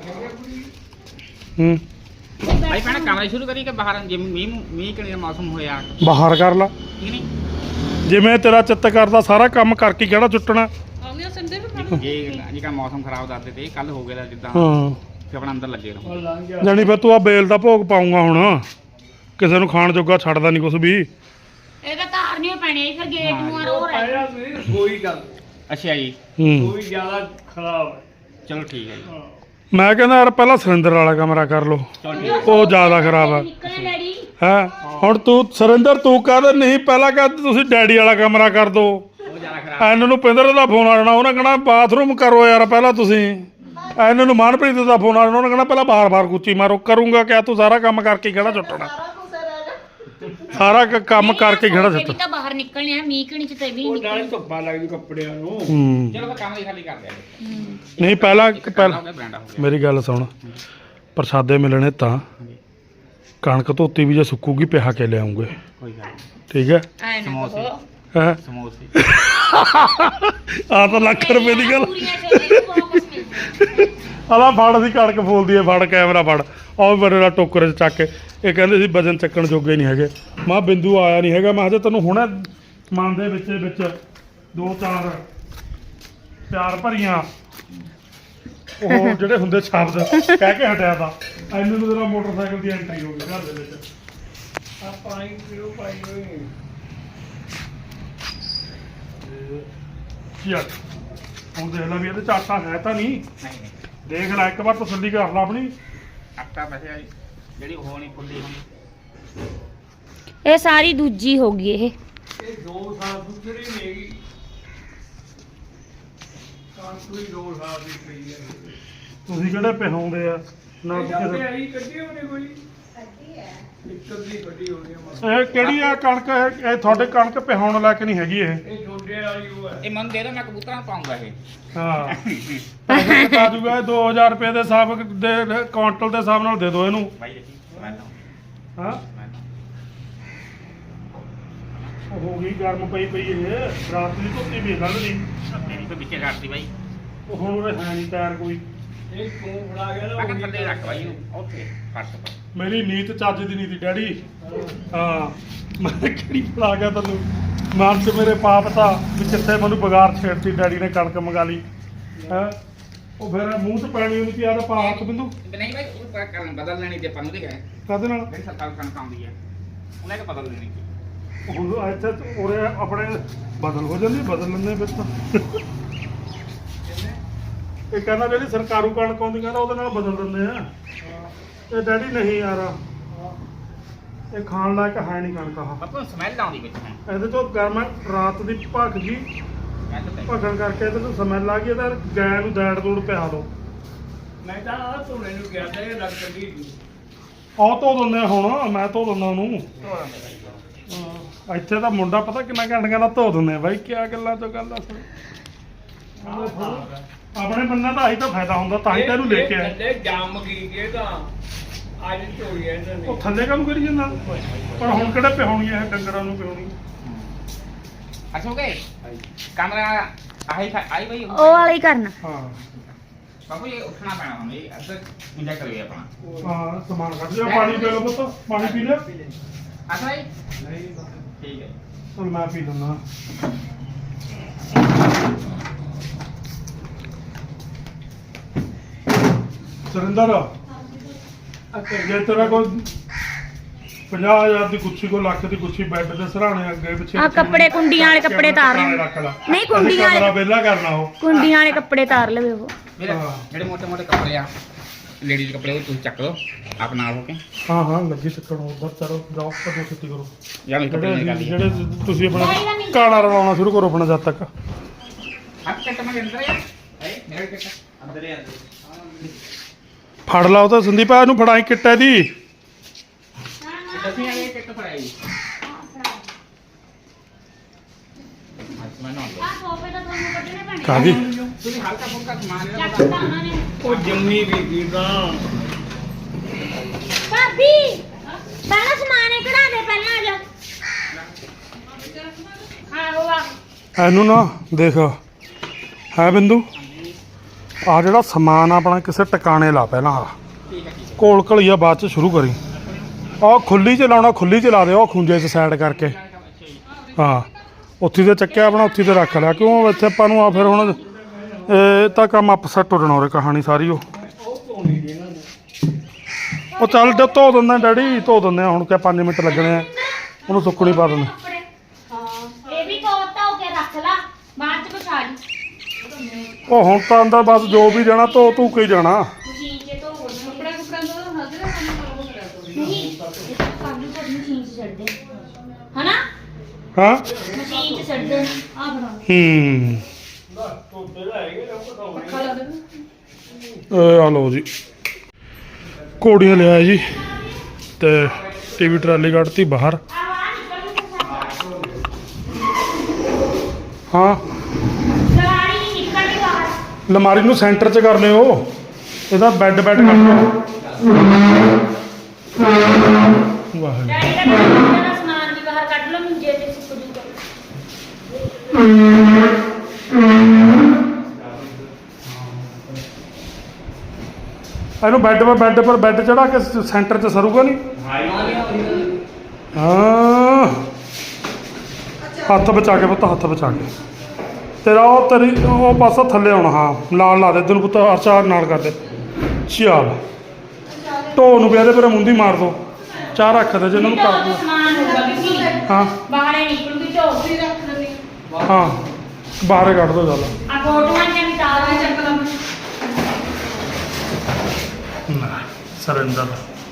ਭਾਈ ਪਹਿਲਾਂ ਕਮਰੇ ਸ਼ੁਰੂ ਕਰੀ ਕਿ ਬਾਹਰ ਜਿਵੇਂ ਮੀਂਹ ਕਿਹੜੇ ਮੌਸਮ ਹੋਇਆ?
ਬਾਹਰ ਕਰ ਲਾ
ਠੀਕ ਨਹੀਂ?
ਜਿਵੇਂ ਤੇਰਾ ਚਿੱਤ ਕਰਦਾ, ਸਾਰਾ ਕੰਮ ਕਰਕੇ ਕਿਹੜਾ ਛੁੱਟਣਾ।
ਜੇ ਕਾ ਮੌਸਮ ਖਰਾਬ ਕਰਦੇ ਤੇ ਕੱਲ ਹੋ ਗਿਆ ਜਿੱਦਾਂ,
ਹਾਂ
ਫਿਰ ਆਪਣਾ ਅੰਦਰ ਲੱਗੇ ਰਹੋ।
ਜਾਣੀ ਫਿਰ ਤੂੰ ਆ ਬੇਲ ਦਾ ਭੋਗ ਪਾਉਂਗਾ ਹੁਣ। ਕਿਸੇ ਨੂੰ ਖਾਣ ਜੋਗਾ ਛੱਡਦਾ ਨਹੀਂ ਕੁਛ ਵੀ।
ਇਹ ਤਾਂ ਧਾਰ ਨਹੀਂ ਪੈਣੀ ਫਿਰ ਗੇਟ ਨੂੰ ਆ ਰੋ ਰਿਹਾ।
ਕੋਈ ਗੱਲ
ਅੱਛਾ ਜੀ।
ਕੋਈ ਜ਼ਿਆਦਾ ਖਰਾਬ ਹੈ।
ਚਲੋ ਠੀਕ ਹੈ ਜੀ।
ਮੈਂ ਕਹਿੰਦਾ ਯਾਰ ਪਹਿਲਾਂ ਸੁਰਿੰਦਰ ਵਾਲਾ ਕਮਰਾ ਕਰ ਲੋ,
ਚਲੋ ਠੀਕ
ਉਹ ਜ਼ਿਆਦਾ ਖਰਾਬ ਆ।
ਨਿਕਲੇ ਡੈਡੀ।
ਹੈ ਹੁਣ ਤੂੰ ਸੁਰਿੰਦਰ ਤੂੰ ਕਹਿੰਦਾ ਨਹੀਂ, ਪਹਿਲਾਂ ਕਹਿੰਦਾ ਤੁਸੀਂ ਡੈਡੀ ਵਾਲਾ ਕਮਰਾ ਕਰ ਦੋ।
ਉਹ ਜ਼ਿਆਦਾ ਖਰਾਬ।
ਇਹਨਾਂ ਨੂੰ ਪਿੰਦਰ ਦਾ ਫੋਨ ਆ ਜਾਣਾ, ਉਹਨੇ ਕਹਿਣਾ ਬਾਥਰੂਮ ਕਰੋ ਯਾਰ ਪਹਿਲਾਂ ਤੁਸੀਂ। ਇਹਨਾਂ ਨੂੰ ਮਨਪ੍ਰੀਤ ਦਾ ਫੋਨ ਆ ਜਾਣਾ, ਉਹਨੇ ਕਹਿਣਾ ਪਹਿਲਾਂ ਬਾਰ-ਬਾਰ ਕੁੱਚੀ ਮਾਰੋ। ਕਰੂੰਗਾ ਕਿਆ ਤੂੰ? ਸਾਰਾ ਕੰਮ ਕਰਕੇ ਕਿਹੜਾ ਛੁੱਟਣਾ? ਸਾਰਾ ਕੰਮ ਕਰਕੇ ਕਿਹੜਾ
ਇਹ ਵੀ
ਛੁੱਟਣਾ?
ਤਾਂ ਬਾਹਰ ਨਿਕਲਣੇ ਆ, ਮੀਂਹ ਕਣੀ ਚ ਤੇ ਵੀ
ਉਹ
ਨਹੀਂ
ਨਾਲੇ
ਨਿਕਲਣੇ।
ਧੁੱਪਾਂ ਲੱਗਦੀ ਕੱਪੜਿਆਂ ਨੂੰ।
ਚਲੋ ਫਿਰ ਕੰਮ ਹੀ ਖਾਲੀ ਕਰ ਦਿਆ
ਨਹੀਂ ਪਹਿਲਾਂ
ਪਹਿਲਾਂ ਹੋ ਗਿਆ ਬਰਾਂਡਾ ਹੋ ਗਿਆ।
ਮੇਰੀ ਗੱਲ ਸੁਣ, ਪ੍ਰਸ਼ਾਦੇ ਮਿਲਣੇ ਤਾਂ ਕਣਕ ਧੋਤੀ ਵੀ ਜੇ ਸੁੱਕੂਗੀ ਪਿਹਾ ਕੇ ਲਿਆਉਂਗੇ,
ਕੋਈ ਗੱਲ ਨਹੀਂ।
ਠੀਕ ਹੈ?
ਐ ਨਾ
ਸਮੋਸੇ।
ਕਹੋ।
ਹੈ
ਸਮੋਸੇ।
ਆ ਤਾਂ ਲੱਖ ਰੁਪਏ ਦੀ ਗੱਲ।
ਪੂਰੀਆਂ ਛੋਲੇ ਨੂੰ ਬਹੁਤ ਕੁਛ ਮਿਲਦਾ।
ਆਲਾ ਫੜ ਦੀ ਕਣਕ ਫੋਲਦੀ ਹੈ, ਫੜ ਕੈਮਰਾ ਫੜ। ਆਹ ਬੜੇ ਦਾ ਟੋਕਰੇ 'ਚ ਚੱਕ ਕੇ ਇਹ ਕਹਿੰਦੇ ਸੀ ਵਜਨ ਚੱਕਣ ਜੋਗੇ ਨਹੀਂ ਹੈਗੇ। ਮੈਂ ਬਿੰਦੂ ਆਇਆ ਨਹੀਂ ਹੈਗਾ, ਮੈਂ ਕਿਹਾ ਤੈਨੂੰ ਹੁਣੇ ਮਨ ਦੇ ਵਿੱਚ ਦੋ ਚਾਰ ਪਿਆਰ ਭਰੀਆਂ ਉਹ ਜਿਹੜੇ ਹੁੰਦੇ ਸ਼ਬਦ ਕਹਿ ਕੇ ਹਟਿਆ ਤਾਂ ਐਨੂੰ ਨੂੰ ਤੇਰਾ ਮੋਟਰਸਾਈਕਲ ਦੀ ਐਂਟਰੀ ਹੋ ਗਈ ਘਰ ਦੇ ਵਿੱਚ।
ਆ ਪਾਣੀ ਪੀਓ ਪਾਈ ਹੋਈ।
ਯਾਰ ਹੁਣ ਦੇਖ ਲੈ ਵੀ ਇਹਦੇ ਚ ਆਟਾ ਹੈ ਤਾਂ ਨਹੀਂ।
ਨਹੀਂ ਨਹੀਂ
ਦੇਖ ਲੈ ਇੱਕ ਵਾਰ ਤਸੱਲੀ ਕਰ ਲੈ ਆਪਣੀ।
ਆਟਾ ਵੈਸੇ ਜਿਹੜੀ ਉਹ ਨਹੀਂ ਫੁੱਲੀ ਹੁੰਦੀ।
ਇਹ ਸਾਰੀ ਦੂਜੀ ਹੋ ਗਈ ਇਹ।
ਇਹ 2 ਸਾਲ ਦੂਸਰੀ ਨਹੀਂ ਹੈਗੀ, ਕਾਂਤਰੀ 2 ਸਾਲ ਦੀ ਪਈ ਹੈ।
ਤੁਸੀਂ ਕਿਹੜੇ ਪਿਹਾਉਂਦੇ ਆ ਨਾ
ਜਾਂਦੇ
ਕਿਸੇ
ਆਈ ਕੱਢੀ ਹੋਣੀ ਕੋਈ ਇੱਕ ਅੱਧੀ ਕੱਢੀ ਹੋਣੀ ਆ ਮਸਾਂ।
ਇਹ ਕਿਹੜੀ ਆ ਕਣਕ ਇਹ ਤੁਹਾਡੇ ਕਣਕ ਪਿਹਾਉਣ ਲਾਇਕ ਨਹੀਂ ਹੈਗੀ ਇਹ।
ਇਹ ਛੋਟੇ ਵਾਲੀ ਉਹ ਹੈ।
ਇਹ ਮਨ ਦੇ ਦੋ ਮੈਂ ਕਬੂਤਰਾਂ ਨੂੰ ਪਾਉਂਗਾ ਇਹ।
ਹਾਂ ਪੈਸੇ ਕਟਾ ਜੂਗਾ 2000 ਰੁਪਏ ਦੇ ਹਿਸਾਬ ਦੇ ਕੁਆਂਟਲ ਦੇ ਹਿਸਾਬ ਨਾਲ ਦੇ ਦਿਓ ਇਹਨੂੰ।
ਭਾਈ ਦੇਖੀ ਮੈਂ ਤਾਂ
ਹਾਂ
ਮੈਂ ਤਾਂ
ਉਹ ਹੋ ਗਈ ਗਰਮ ਪਈ ਇਹ ਰਾਤ ਦੀ ਧੁੱਪੀ ਵੀ ਕੱਢ ਲਈ।
ਮੇਰੀ ਤਾਂ ਵਿੱਚੇ ਰੱਖਦੀ ਭਾਈ।
ਉਹ ਹੁਣ ਉਹ ਹੈ ਨਹੀਂ ਤਿਆਰ ਕੋਈ।
ਇਹ ਤੂੰ ਫੜਾ ਗਿਆ ਨਾ
ਮੈਂ
ਉਹੀ
ਕਿਹਾ ਥੱਲੇ ਰੱਖ ਭਾਈ ਇਹਨੂੰ ਉੱਥੇ ਫਰਸ਼ ਪਰ।
ਮੇਰੀ ਨੀਤ ਚੱਜ ਦੀ ਨਹੀਂ ਤੀ ਡੈਡੀ। ਹਾਂ ਮੈਂ ਕਿਹੜੀ ਫੜਾ ਗਿਆ ਤੈਨੂੰ ਮਨ ਚ ਮੇਰੇ ਪਾਪ ਤਾਂ ਵੀ ਕਿੱਥੇ ਮੈਨੂੰ ਬਗਾਰ ਛੇੜਤੀ ਡੈਡੀ ਨੇ ਕਣਕ ਮੰਗਾ ਲਈ ਹੈ। ਉਹ ਫਿਰ ਮੂੰਹ ਚ ਪੈਣੀ ਉਹਨੂੰ ਕੀ ਆਦਾ ਪਾ ਹੱਥ ਬਿੰਦੂ
ਨਹੀਂ ਭਾਈ ਉਹ ਕਰਨ ਬਦਲ ਲੈਣੀ ਤੇ ਆਪਾਂ ਨੂੰ ਦੇ ਗਏ
ਕਾਹਦੇ ਨਾਲ
ਜਿਹੜੀ ਸਰਕਾਰ ਕਣਕ ਆਉਂਦੀ ਹੈ ਉਹਨੇ ਕਿ ਬਦਲ ਦੇਣੀ।
ਹੁਣ ਇੱਥੇ ਉਰੇ ਆਪਣੇ ਬਦਲ ਹੋ ਜਾਂਦੀ ਬਦਲ ਲੈਂਦੇ ਫਿਰ ਤਾਂ। ਇਹ ਕਹਿੰਦਾ ਜਿਹੜੀ ਸਰਕਾਰੂ ਕਣਕ ਆਉਂਦੀ ਕਹਿੰਦਾ ਉਹਦੇ ਨਾਲ ਬਦਲ ਦਿੰਦੇ ਆ। ਇਹ ਡੈਡੀ ਨਹੀਂ ਯਾਰ ਇਹ ਖਾਣ ਲਾਇਕ ਹੈ ਨਹੀਂ ਕਣਕ ਆਹ।
ਆਪਾਂ ਨੂੰ ਸਮੈਲ ਆਉਂਦੀ ਵਿੱਚ ਹੁਣ।
ਇਹਦੇ ਤੋਂ ਗਰਮ ਰਾਤ ਦੀ ਭੱਖ ਗਈ
ਮੈਂ ਤਾਂ ਭਾਈ
ਭੱਖਣ ਕਰਕੇ ਇਹਦੇ ਤੋਂ ਸਮੈਲ ਆ ਗਈ। ਇਹਦਾ ਗੈਂ ਨੂੰ ਦੈੜ ਦੂੜ ਪਿਆ ਦੋ।
ਮੈਂ ਤਾਂ ਆ ਧੋਣੇ ਨੂੰ ਗਿਆ ਤਾਂ ਇਹ ਲੱਗ ਕੱਢੀ ਨਹੀਂ।
ਆਹ ਧੋ ਦਿੰਦੇ ਆ ਹੁਣ ਮੈਂ ਧੋ ਦਿੰਦਾ ਉਹਨੂੰ।
ਧੋਰਾਂ ਦੇ ਭਾਈ।
ਹਾਂ, ਇੱਥੇ ਤਾਂ ਮੁੰਡਾ ਪਤਾ ਕਿੰਨਾ ਘੰਟਿਆਂ ਦਾ ਧੋ ਦਿੰਦੇ ਆ ਬਾਈ। ਕਿਆ ਗੱਲਾਂ ਤੋਂ ਗੱਲ ਦੱਸ। ਆਪਣੇ ਬੰਦਾ ਤਾਂ ਆਹੀ ਤਾਂ ਫਾਇਦਾ ਹੁੰਦਾ ਤਾਂ ਹੀ ਤਾਂ ਇਹਨੂੰ ਲੈ ਕੇ ਆਏ।
ਥੱਲੇ ਜੰਮ ਗਈ ਇਹ ਤਾਂ ਅੱਜ ਧੋਈ ਇਹਨਾਂ ਨੇ।
ਉਹ ਥੱਲੇ ਕੰਮ ਕਰੀ ਜਾਂਦਾ ਪਰ ਹੁਣ ਕਿਹੜਾ ਪਿਹਾਉਣੀ ਹੈ ਡੰਗਰਾਂ ਨੂੰ ਪਿਹਾਉਣੀ।
ਅੱਛਾ ਹੋ ਗਏ ਕਮਰਾ ਆਹੀ ਆਈ ਭਾਈ
ਉਹ ਵਾਲਾ ਹੀ ਕਰਨਾ।
ਹਾਂ
ਬਾਪੂ ਇਹ ਉੱਠਣਾ ਪੈਣਾ ਹੁਣ ਇਹ ਅੱਧਾ ਇੰਜਾ ਕਰੀਏ ਆਪਣਾ।
ਹਾਂ ਸਮਾਨ ਕੱਢ ਲਿਆ। ਪਾਣੀ ਪੀ ਲਓ ਪੁੱਤ ਪਾਣੀ ਪੀ ਲਿਆ।
ਅੱਛਾ ਭਾਈ ਠੀਕ ਹੈ।
ਚਲ ਮੈਂ ਪੀ ਲੈਂਦਾ। ਸੁਰਿੰਦਰ ਜੇ ਤੇਰਾ ਕੋਈ 50,000 ਦੀ ਗੁੱਛੀ ਕੋ ਲੱਖ ਦੀ ਗੁੱਛੀ ਬੈੱਡ ਦੇ ਸਰਾਣੇ ਅੱਗੇ ਪਿੱਛੇ
ਆਹ ਕੱਪੜੇ ਕੁੰਡੀਆਂ ਵਾਲੇ ਕੱਪੜੇ ਤਾਰ ਲੈ।
ਰੱਖ ਲਾ।
ਨਹੀਂ, ਕੁੰਡੀਆਂ ਵਾਲੇ-
ਕਮਰਾ ਵਿਹਲਾ ਕਰਨਾ ਉਹ।
ਕੁੰਡੀਆਂ ਵਾਲੇ ਕੱਪੜੇ ਤਾਰ ਲਵੇ ਉਹ।
ਮੇਰੇ
ਹਾਂ।
ਜਿਹੜੇ ਮੋਟੇ ਮੋਟੇ ਕੱਪੜੇ ਆ ਲੇਡੀਜ਼ ਕੱਪੜੇ ਉਹ ਤੁਸੀਂ ਚੱਕ ਲਓ ਆਪ ਨਾਲ ਹੋ ਕੇ।
ਹਾਂ ਹਾਂ ਲੱਗੀ ਚੱਕਣ ਉੱਧਰ ਚਲੋ ਜਾਓ ਕਦੋਂ ਛੁੱਟੀ ਕਰੋ।
ਜਾਂ ਮੇਰੇ ਕੱਪੜੇ ਨਿਕਾਲ ਲਈ
ਜਿਹੜੇ ਤੁਸੀਂ ਆਪਣਾ ਕਾਲਾ ਰਲਾਉਣਾ ਸ਼ੁਰੂ ਕਰੋ ਆਪਣਾ ਜਦ ਤੱਕ।
ਹੱਥ ਕੱਟ ਮੈਂ ਅੰਦਰ ਆ ਹੈ ਮੇਰੇ ਕੱਟ ਅੰਦਰ ਆ
ਫੜ ਲਾ ਉਹ ਤਾਂ ਸੰਦੀਪ ਆ ਇਹਨੂੰ ਫੜਾਈ ਕਿੱਟੇ ਦੀ।
ਅਸੀਂ ਆਏ ਕੱਟ ਫੜਾਈ ਅੱਜ ਮੈਂ ਨਾ
ਸੋਫੇ ਤਾਂ ਤੁਹਾਨੂੰ ਕੱਢਣੇ ਪੈਣੇ।
ਕਾਦੀ
ਤੁਸੀਂ ਹਲਕਾ ਫੁਲਕਾ ਸਮਾਨ ਲੈ
ਚੱਕਦਾ ਉਹਨਾਂ ਨੇ।
ਉਹ ਜੰਮੀ ਵੀ ਤਾਂ
ਭਾਬੀ ਪਹਿਲਾਂ ਸਮਾਨ ਇਹ ਕਢਾ ਦੇ ਪਹਿਲਾਂ ਆ ਜਾ। ਹਾਂ ਉਹ ਆ
ਇਹਨੂੰ ਨਾ ਦੇਖ ਹੈ ਬਿੰਦੂ ਆ ਜਿਹੜਾ ਸਮਾਨ ਆਪਣਾ ਕਿਸੇ ਟਿਕਾਣੇ ਲਾ ਪਹਿਲਾਂ ਆ
ਠੀਕ ਹੈ ਠੀਕ ਹੈ।
ਕੋਲ ਘਲੀਆ ਬਾਅਦ ਚ ਸ਼ੁਰੂ ਕਰੀ। ਆਹ ਖੁੱਲੀ ਚ ਲਾਉਣਾ ਖੁੱਲੀ ਚ ਲਾ ਦੇ ਉਹ ਖੁੰਝੇ ਚ ਸਾਈਡ ਕਰਕੇ। ਹਾਂ ਉੱਥੇ ਤੇ ਚੱਕਿਆ ਆਪਣਾ ਉੱਥੇ ਤੇ ਰੱਖ ਲਿਆ ਕਿਉਂ ਇੱਥੇ ਆਪਾਂ ਨੂੰ ਆ ਫਿਰ ਹੁਣ ਇਹ ਤਾਂ ਕੰਮ ਅਪਸੈਟ ਹੋ ਜਾਣਾ ਉਰੇ ਕਹਾਣੀ ਸਾਰੀ ਉਹ। ਉਹ ਚੱਲ ਧੋ ਦਿੰਦਾ ਡੈਡੀ ਧੋ ਦਿੰਦੇ ਆ ਹੁਣ ਕਿਆ 5 ਮਿੰਟ ਲੱਗਣੇ ਆ ਉਹਨੂੰ ਸੁੱਕਣੀ ਪਾ ਦਿੰਦੇ।
ਕੱਪੜੇ ਹਾਂ ਇਹ ਵੀ ਕੋਤਾ ਹੋ ਕੇ ਰੱਖ ਲਾ ਬਾਅਦ ਚ ਵਿਛਾ ਲਈ।
ਉਹ ਹੁਣ ਤਾਂ ਅੰਦਰ ਬਸ ਜੋ ਵੀ ਜਾਣਾ ਧੋ ਧੂ ਕੇ ਹੀ ਜਾਣਾ।
ਮਸ਼ੀਨ 'ਚ ਧੋ ਹੋ ਕੱਪੜਾ ਕੁਪੜਾ ਤੋਂ ਹੱਥ ਨਹੀਂ ਕਾਬੂ ਕਰ ਮਸ਼ੀਨ 'ਚ ਛੱਡ ਦੇ ਹਨਾ
ਹਾਂ
ਮਸ਼ੀਨ 'ਚ ਛੱਡ ਦੇ ਆ ਬਣਾ
ਆ ਲਓ ਜੀ ਘੋੜੀਆਂ ਲਿਆ ਜੀ ਤੇ ਟੀਵੀ ਟਰਾਲੀ ਕੱਢਤੀ ਬਾਹਰ। ਹਾਂ
ਲਵਾਰੀ ਨਿਕਲ ਗਈ ਬਾਹਰ।
ਲਮਾਰੀ ਨੂੰ ਸੈਂਟਰ 'ਚ ਕਰ ਲਿਓ ਇਹਦਾ ਬੈੱਡ ਕੱਢ ਲਿਓ। ਵਾਹਿਗੁਰੂ
ਡੈਡੀ ਦਾ ਮੰਜੇ ਦਾ ਸਮਾਨ ਵੀ ਬਾਹਰ ਕੱਢ ਲਓ ਮੰਜੇ ਤੇ ਸੁੱਕ ਜੂਗਾ।
ਇਹਨੂੰ ਬੈੱਡ ਚੜਾ ਕੇ ਸੈਂਟਰ 'ਚ ਸਰੂਗਾ ਨਹੀਂ। ਹਾਂ ਹੱਥ ਬਚਾ ਕੇ ਪੁੱਤ ਹੱਥ ਬਚਾ ਕੇ ਤੇਰਾ ਉਹ ਤੇਰੀ ਉਹ ਪਾਸਾ ਥੱਲੇ ਆਉਣਾ। ਹਾਂ ਨਾਲ ਲਾ ਦੇ ਤੈਨੂੰ ਪੁੱਤ ਅਰਚਾਰ ਨਾਲ ਕਰ ਦੇ। ਚੱਲ ਢੋ ਨੂੰ ਪਿਆ ਦੇ ਪਰ ਮੁੰਦੀ ਮਾਰ ਦੋ ਚਾਹ ਰੱਖ ਦੇ ਜਿਹਨਾਂ ਨੂੰ ਕਰ ਦੋ।
ਸਮਾਨ ਹੋਊਗਾ ਵੀ
ਹਾਂ
ਬਾਹਰ ਨਿਕਲੂਗੀ ਢੋ ਵੀ ਰੱਖ ਲੈਂਦੇ
ਹਾਂ ਬਾਹਰ ਕੱਢ ਦੋ ਚੱਲ।
ਆ ਫੋਟੋਆਂ
ਨਾ ਸਰਿੰਦਰ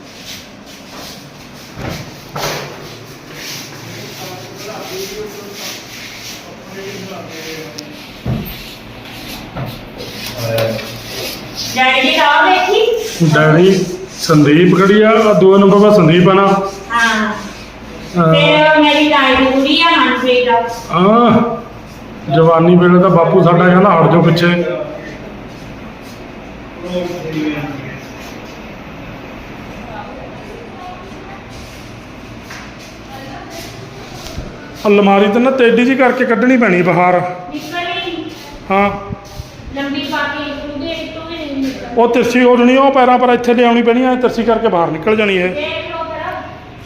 ਡੈਡੀ ਦੀ ਟੌਰ ਦੇਖੀ
ਡੈਡੀ ਸੰਦੀਪ ਖੜੀ ਆ ਆਹ ਦੂਏ ਨੰਬਰ 'ਤੇ ਸੰਦੀਪ ਆ ਨਾ
ਹਾਂ ਫਿਰ ਮੇਰੀ ਦਾਈ ਦੀ ਕੁੜੀ ਆ ਮਨਪ੍ਰੀਤ ਆ
ਜਵਾਨੀ ਵੇਲੇ ਤਾਂ ਬਾਪੂ ਸਾਡਾ ਕਹਿੰਦਾ ਹਟ ਜਾਓ ਪਿੱਛੇ ਅਲਮਾਰੀ ਤੇ ਨਾ ਤੇਡੀ ਜੀ ਕਰਕੇ ਕੱਢਣੀ ਪੈਣੀ ਬਾਹਰ
ਨਿਕਲੀ
ਹਾਂ
ਲੰਬੀ ਪਾ ਕੇ ਉਹਦੇ ਤੋਂ ਵੀ ਨਹੀਂ ਨਿਕਲ
ਉਹ ਤਿਰਛੀ ਹੋ ਜਣੀ ਉਹ ਪੈਰਾਂ ਪਰ ਇੱਥੇ ਲਿਆਉਣੀ ਪੈਣੀ ਐ ਤਿਰਛੀ ਕਰਕੇ ਬਾਹਰ ਨਿਕਲ ਜਾਣੀ ਇਹ
ਦੇਖ ਲਓ ਫਿਰ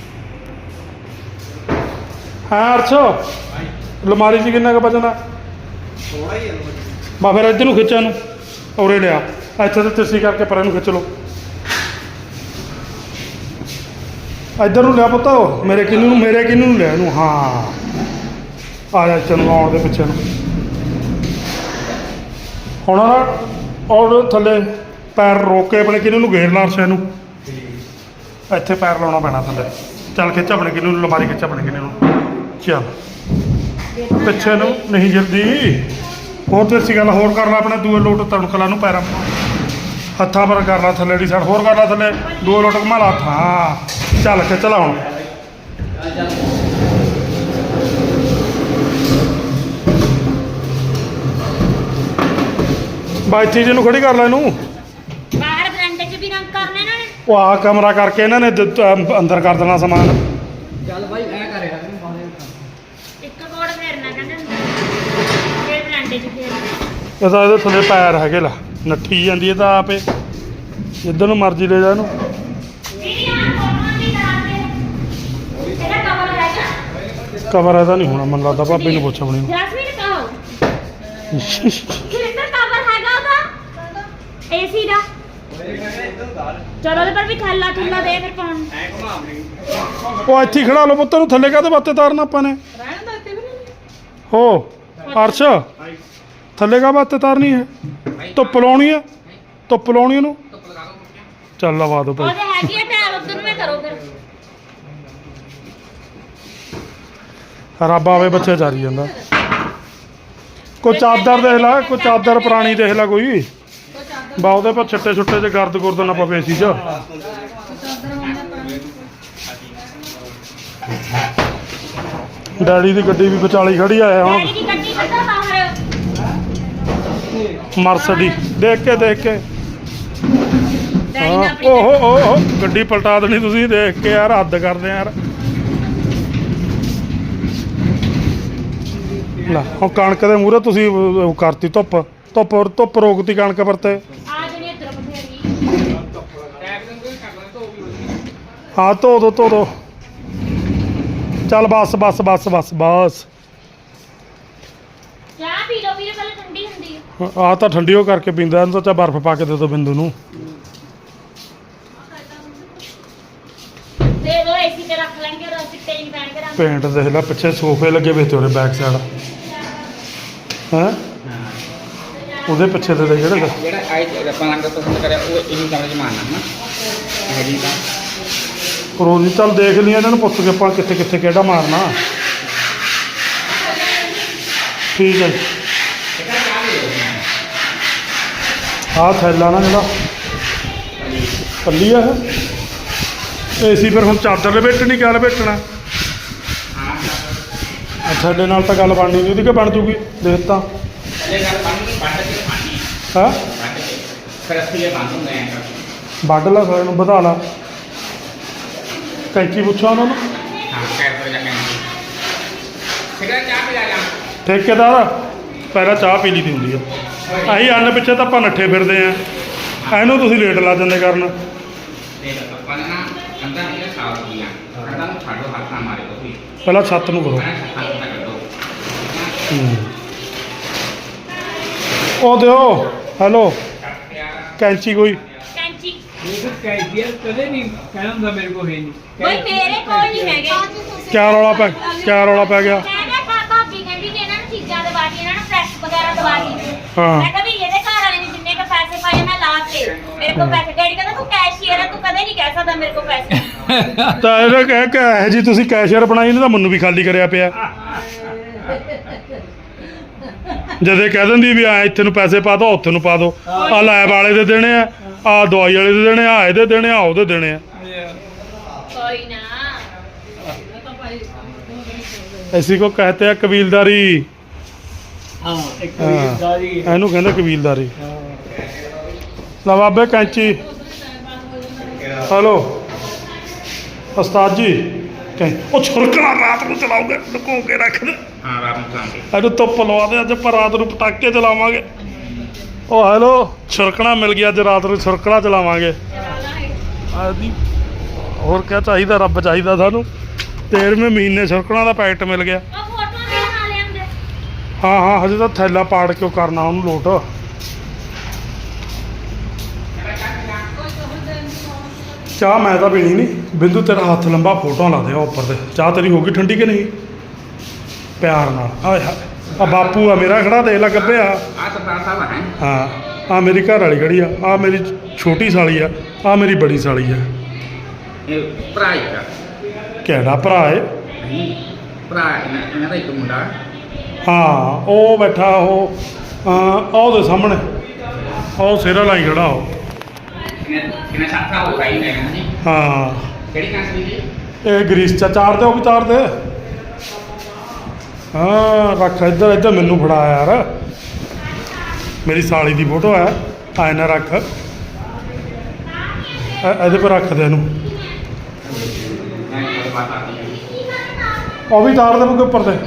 ਹਾਂ ਅਰਸ਼ ਅਲਮਾਰੀ 'ਚ ਕਿੰਨਾ ਕੁ ਬਚਣਾ
ਥੋੜਾ ਹੀ ਹੈ
ਬਾ ਫਿਰ ਇੱਧਰ ਨੂੰ ਖਿੱਚਿਆ ਨੂੰ ਔਰੇ ਲਿਆ ਇੱਥੇ ਤੇ ਤਿਰਛੀ ਕਰਕੇ ਪਰਾਂ ਨੂੰ ਖਿੱਚ ਲਓ ਇੱਧਰ ਨੂੰ ਲਿਆ ਪੁੱਤ ਮੇਰੇ ਕਿੰਨੂ ਨੂੰ ਲਿਆ ਇਹਨੂੰ ਹਾਂ ਆ ਜਾ ਇੱਥੇ ਨੂੰ ਆਉਣ ਦੇ ਪਿੱਛੇ ਨੂੰ ਹੁਣ ਨਾ ਔਰ ਥੱਲੇ ਪੈਰ ਰੋਕ ਕੇ ਆਪਣੇ ਕਿੰਨੂ ਨੂੰ ਘੇਰ ਲਾ ਅਰਸ਼ ਨੂੰ ਇੱਥੇ ਪੈਰ ਲਾਉਣਾ ਪੈਣਾ ਥੱਲੇ ਚੱਲ ਖਿੱਚ ਆਪਣੇ ਕਿੰਨੂ ਨੂੰ ਅਲਮਾਰੀ ਖਿੱਚ ਆਪਣੇ ਕਿੰਨੂ ਨੂੰ ਚੱਲ ਪਿੱਛੇ ਨੂੰ ਨਹੀਂ ਜਲਦੀ ਹੋਰ ਤੇ ਗੱਲ ਹੋਰ ਕਰ ਲਾ ਆਪਣੇ ਦੂਏ ਲੋਟ ਤਣਕਲਾ ਨੂੰ ਪੈਰਾਂ ਹੱਥਾਂ ਪਰ ਕਰ ਲਾ ਥੱਲੇ ਦੀ ਸਾਈਡ ਹੋਰ ਕਰ ਲਾ ਥੱਲੇ ਦੂਏ ਲੋਟ ਘੁਮਾ ਲਾ ਹਾਂ ਚੱਲ ਕੇ ਚਲਾ ਹੁਣ ਬਾਈਥੀ ਜੀ ਨੂੰ ਖੜੀ ਕਰ ਲੈ ਇਹਨੂੰ
ਬਾਹਰ ਬਰਾਂਡੇ 'ਚ ਵੀ ਰੰਗ ਕਰਨੇ ਇਹਨਾਂ ਨੇ
ਉਹ ਆ ਕਮਰਾ ਕਰਕੇ ਇਹਨਾਂ ਨੇ ਅੰਦਰ ਕਰ ਦੇਣਾ ਸਮਾਨ
ਚੱਲ ਭਾਈ ਐ ਕਰਿਆ
ਇੱਕ ਕੋੜ ਫੇਰਨਾ ਕਹਿੰਦੇ ਹੁੰਦੇ ਫਿਰ ਬਰਾਂਡੇ 'ਚ ਫੇਰਨਾ
ਇਹਦਾ ਇਹਦੇ ਥੱਲੇ ਪੈਰ ਹੈਗੇ ਲਾ ਨੱਠੀ ਜਾਂਦੀ ਹੈ ਤਾਂ ਆਪੇ ਜਿੱਧਰ ਨੂੰ ਮਰਜ਼ੀ ਲੈ ਜਾ ਇਹਨੂੰ
ਦੀਦੀ ਆਹ ਕੋਟਾਂ ਦੀ ਤਰ੍ਹਾਂ ਤੇ ਇਹਦਾ ਕਵਰ ਹੈਗਾ
ਕਮਰ ਇਹਦਾ ਨਹੀਂ ਹੋਣਾ ਮੈਨੂੰ ਲੱਗਦਾ ਭਾਬੀ ਨੂੰ ਪੁੱਛ ਆਪਣੀ ਨੂੰ
ਜੈਸਮੀਨ ਕਹੋ ਕਿਹੜਾ ਕਵਰ ਹੈਗਾ ਉਹਦਾ ਏਸੀ ਦਾ ਚਲੋ ਉਹਦੇ ਪਰ ਵੀ ਥੱਲਾ ਥੁੱਲਾ ਦੇ ਫਿਰ ਪਾਉਣ ਨੂੰ।
ਉਹ ਇੱਥੇ ਹੀ ਖੜਾ ਲਓ ਪੁੱਤ ਨੂੰ ਥੱਲੇ ਕਾਹਦੇ ਵਾਸਤੇ ਤਾਰਨਾ ਆਪਾਂ ਨੇ ਹੋ ਅਰਸ਼ ਥੱਲੇ ਕਾ ਵਾਸਤੇ ਤਾਰਨੀ ਹੈ ਧੁੱਪ ਲਾਉਣੀ ਹੈ ਧੁੱਪ ਲਾਉਣੀ ਉਹਨੂੰ ਚੱਲ ਲਵਾ ਦੋ ਭਾਈ
ਉਹਦੇ ਹੈਗੀ ਆ ਟੈਲ ਉਧਰ ਨੂੰ ਮੈਂ ਕਰੋ ਫਿਰ
ਰੱਬ ਆਵੇ ਬੱਚੇ ਚਾਰੀ ਜਾਂਦਾ ਕੋਈ ਚਾਦਰ ਦੇਖ ਲੈ ਕੋਈ ਚਾਦਰ ਪੁਰਾਣੀ ਦੇਖ ਲੈ ਕੋਈ ਬਾ ਉਹਦੇ ਪਰ ਛੱਟੇ ਛੁੱਟੇ ਚ ਗਰਦ ਗੁਰਦ ਨਾ ਪਵੇ ਸੀ ਚ ਡੈਡੀ ਦੀ ਗੱਡੀ ਵੀ ਵਿਚਾਲੀ ਖੜੀ ਆਇਆ ਹੁਣ
ਡੈਡੀ ਦੀ ਗੱਡੀ ਕੱਢੋ ਬਾਹਰ
ਮਰਸਡੀ ਦੇਖ ਕੇ
ਡੈਡੀ ਨੇ ਆਪਣੀ
ਓਹੋ ਗੱਡੀ ਪਲਟਾ ਦੇਣੀ ਤੁਸੀਂ ਦੇਖ ਕੇ ਯਾਰ ਹੱਦ ਕਰਦੇ ਯਾਰ ਲੈ ਹੁਣ ਕਣਕ ਦੇ ਮੂਹਰੇ ਤੁਸੀਂ ਉਹ ਕਰਤੀ ਧੁੱਪ ਰੋਕਤੀ ਕਣਕ ਪਰ ਤੇ
ਆ ਜਿਹੜੀ ਇੱਧਰ ਬਥੇਰੀ
ਹਾਂ ਧੋ ਦੋ ਚੱਲ ਬਸ
ਚਾਹ ਪੀ ਲਓ ਵੀਰੇ ਪਹਿਲਾਂ ਠੰਡੀ ਹੁੰਦੀ ਹੈ
ਆ ਤਾਂ ਠੰਡੀ ਹੋ ਕਰਕੇ ਪੀਂਦਾ ਇਹਨੂੰ ਤਾਂ ਚਾ ਬਰਫ਼ ਪਾ ਕੇ ਦੇ ਦੋ ਬਿੰਦੂ ਨੂੰ
ਦੇ ਦੋ ਏਸੀ ਤੇ ਰੱਖ ਲੈਣਗੇ ਉਹ ਚਿੱਟੇ ਨਹੀਂ ਪੈਣਗੇ ਰੰਗ
ਪੇਂਟ ਦੇਖ ਲੈ ਪਿੱਛੇ ਸੋਫੇ ਲੱਗੇ ਵੇ ਤੇ ਉਹਦੇ ਬੈਕ ਸਾਈਡ ਹੈਂ ਉਹਦੇ ਪਿੱਛੇ ਤੇ ਦੇ ਜਿਹੜੇ
ਜਿਹੜਾ ਆਈ ਆਪਾਂ ਰੰਗ ਪਸੰਦ ਕਰਿਆ ਉਹ ਇਹੀ ਕਮਰੇ 'ਚ ਮਾਰਨਾ ਨਾ ਇਹ ਜੀ ਤਾਂ
ਰੋਜ਼ ਚੱਲ ਦੇਖ ਲਈ ਇਹਨਾਂ ਨੂੰ ਪੁੱਛ ਕੇ ਆਪਾਂ ਕਿੱਥੇ ਕਿਹੜਾ ਮਾਰਨਾ ਠੀਕ ਹੈ ਆਹ ਥੈਲਾ ਨਾ ਜਿਹੜਾ ਪੱਲੀ ਆ ਇਹ ਏਸੀ ਫਿਰ ਹੁਣ ਚਾਦਰ ਲਪੇਟਣੀ ਕਿਆ ਲਪੇਟਣਾ ਥੈਲੇ ਨਾਲ ਤਾਂ ਗੱਲ ਬਣਨੀ ਨਹੀਂ ਉਹਦੀ ਕਿ ਬਣ ਜੂਗੀ ਦੇਖ ਤਾਂ
ਇਹ ਗੱਲ ਪਾਣੀ ਕੇ ਪਾਣੀ
ਹਾਂ
ਫਿਰ ਅਸੀਂ ਇਹ ਬੰਦ ਹੁੰਦੇ ਆਂ
ਵੱਢ ਲਾ ਸਾਰਿਆਂ ਨੂੰ ਵਧਾ ਲਾ ਕੈਂਚੀ ਪੁੱਛੋ ਉਹਨਾਂ ਨੂੰ
ਹਾਂ ਕਹਿ ਕਰ ਜਾ ਕੇ ਸਿਗਰਟ ਚਾਹ ਪਿਲਾ ਜਾ
ਠੇਕੇਦਾਰ ਪਹਿਲਾਂ ਚਾਹ ਪੀ ਲਈ ਦੀ ਹੁੰਦੀ ਆ ਅਸੀਂ ਅੰਨ ਪਿੱਛੇ ਤਾਂ ਆਪਾਂ ਨੱਠੇ ਫਿਰਦੇ ਆ ਇਹਨੂੰ ਤੁਸੀਂ ਲੇਟ ਲਾ ਜਾਂਦੇ ਕਰਨ
ਦੇਖ ਆਪਾਂ ਨਾ ਅੰਦਰ ਇਹ ਸਾਫ ਕੀਆ ਅੰਦਰ ਨੂੰ ਛੱਡੋ ਹੱਥ ਨਾ ਮਾਰੇ ਤੁਸੀਂ
ਪਹਿਲਾਂ ਛੱਤ ਨੂੰ ਕਰੋ
ਮੈਂ ਹੱਥ ਨਾ ਕੱਢੋ
ਉਹ ਦਿਓ ਹੈਲੋ ਕੈਂਚੀ ਕੋਈ
ਕੈਂਚੀ
ਕਦੇ ਨਹੀਂ ਕਹਿਣਾ ਹੁੰਦਾ ਮੇਰੇ ਕੋਲ ਹੈ ਨਹੀਂ
ਬਈ ਮੇਰੇ ਕੋਲ ਨਹੀਂ ਹੈਗੇ
ਕਿਆ ਰੌਲਾ ਪੈ ਗਿਆ
ਕਹਿੰਦੇ ਭਾਬੀ ਕਹਿੰਦੀ ਕਿ ਇਹਨਾਂ ਨੂੰ ਚੀਜ਼ਾਂ ਦਵਾ ਦੀ ਇਹਨਾਂ ਨੂੰ ਪ੍ਰੈਸ ਵਗੈਰਾ ਦਵਾ ਦੀ
ਹਾਂ
ਮੈਂ ਕਿਹਾ ਵੀ ਇਹਦੇ ਘਰ ਲਾਤੇ ਮੇਰੇ ਕੋਲ ਪੈਸੇ ਡੈਡੀ ਕਹਿੰਦਾ ਤੂੰ ਕੈਸ਼ੀਅਰ ਹੈ ਤੂੰ ਕਦੇ ਨਹੀਂ ਕਹਿ ਸਕਦਾ ਮੇਰੇ ਕੋਲ ਪੈਸੇ
ਤਾਂ ਇਹਦਾ ਕਹਿ ਕੇ ਇਹ ਜੀ ਤੁਸੀਂ ਕੈਸ਼ੀਅਰ ਬਣਾਈ ਨੇ ਤਾਂ ਮੈਨੂੰ ਵੀ ਖਾਲੀ ਕਰਿਆ ਪਿਆ ਜਦੇ ਕਹਿ ਦਿੰਦੀ ਵੀ ਆ ਇੱਥੇ ਨੂੰ ਪੈਸੇ ਪਾ ਦੋ ਉੱਥੇ ਨੂੰ ਪਾ ਦੋ ਆ ਲੈਬ ਵਾਲੇ ਦੇ ਦੇਣੇ ਆ ਦਵਾਈ ਵਾਲੇ ਦੇ ਦੇਣੇ ਆ ਇਹਦੇ ਦੇਣੇ ਆ ਉਹਦੇ ਦੇਣੇ ਆ
ਕੋਈ ਨਾ
ਐਸੀ ਕੋ ਕਹਤੇ ਆ ਕਬੀਲਦਾਰੀ
ਹਾਂ ਇੱਕ ਕਬੀਲਦਾਰੀ
ਇਹਨੂੰ ਕਹਿੰਦੇ ਕਬੀਲਦਾਰੀ ਲਾ ਬਾਬੇ ਕੈਂਚੀ ਹਲੋ ਉਸਤਾਦ ਜੀ ਉਹ ਛੁਰਕਣਾ ਰਾਤ ਨੂੰ ਚਲਾਉਂਗੇ ਲੁਕੋ ਕੇ ਰੱਖ ਦੇ
ਹਾਂ ਰਾਤ ਨੂੰ ਚਲਾਉਂਗੇ
ਇਹਨੂੰ ਧੁੱਪ ਲਵਾ ਦੇ ਅੱਜ ਆਪਾਂ ਰਾਤ ਨੂੰ ਪਟਾਕੇ ਚਲਾਵਾਂਗੇ ਉਹ ਹੈਲੋ ਛੁਰਕਣਾ ਮਿਲ ਗਿਆ ਅੱਜ ਰਾਤ ਨੂੰ ਛੁਰਕਣਾ ਚਲਾਵਾਂਗੇ ਆਦੀ ਹੋਰ ਕਿਆ ਚਾਹੀਦਾ ਰੱਬ ਚਾਹੀਦਾ ਸਾਨੂੰ 13ਵੇਂ ਮਹੀਨੇ ਛੁਰਕਣਾ ਦਾ ਪੈਕਟ ਮਿਲ ਗਿਆ
ਉਹ ਫੋਟੋਆਂ ਵੀ ਬਣਾ ਲਿਆਂਦੇ
ਹਾਂ ਹਜੇ ਤਾਂ ਥੈਲਾ ਪਾੜ ਕੇ ਕਰਨਾ ਉਹਨੂੰ ਲੋਟ ਚਾਹ ਮੈਂ ਤਾਂ ਪੀਣੀ ਨਹੀਂ ਬਿੰਦੂ ਤੇਰਾ ਹੱਥ ਲੰਬਾ ਫੋਟੋਆਂ ਲਾ ਦੇ ਉਹ ਉੱਪਰ ਤੇ ਚਾਹ ਤੇਰੀ ਹੋ ਗਈ ਠੰਡੀ ਕਿ ਨਹੀਂ ਪਿਆਰ ਨਾਲ ਆਏ ਹਾਏ ਆ ਬਾਪੂ ਆ ਮੇਰਾ ਖੜਾ ਦੇਖ ਲੈ ਗੱਭੇ ਆ
ਆ ਸਰਦਾਰ ਸਾਹਿਬ ਹੈ
ਹਾਂ ਆ ਮੇਰੀ ਘਰ ਵਾਲੀ ਖੜੀ ਆ ਮੇਰੀ ਛੋਟੀ ਸਾਲੀ ਆ ਮੇਰੀ ਬੜੀ ਸਾਲੀ ਆ
ਇਹ ਭਰਾ ਹੀ ਆ
ਕਿਹੜਾ ਭਰਾ ਏ
ਨਹੀਂ ਭਰਾ ਇਹਨਾਂ ਦਾ ਇੱਕ ਮੁੰਡਾ
ਹਾਂ ਉਹ ਬੈਠਾ ਉਹ ਉਹਦੇ ਸਾਹਮਣੇ ਉਹ ਸਿਰ ਲਾਈ ਖੜਾ ਉਹ
ਕਿੰਨਾ ਸਾਥਾ ਹੋ ਰਹੀ ਹੈ ਨਾ ਜੀ
ਹਾਂ
ਕਿਹੜੀ ਕੰਟਰੀ ਜੀ
ਇਹ ਗ੍ਰੀਸ ਚ ਚਾਰ ਦੇ ਉਹ ਵੀ ਚਾਰ ਦੇ ਹਾਂ ਰੱਖ ਇੱਧਰ ਮੈਨੂੰ ਫੜਾ ਯਾਰ ਮੇਰੀ ਸਾਲੀ ਦੀ ਫੋਟੋ ਹੈ ਆਏ ਨਾ ਰੱਖ ਇਹਦੇ ਪਰ ਰੱਖ ਦੇ ਇਹਨੂੰ
ਮੈਂ ਇੱਕ ਬਾਤ ਆਤੀ ਹੈ
ਉਹ ਵੀ ਤਾਰ ਦੇ ਮੁੱਕੇ ਉੱਪਰ ਤੇ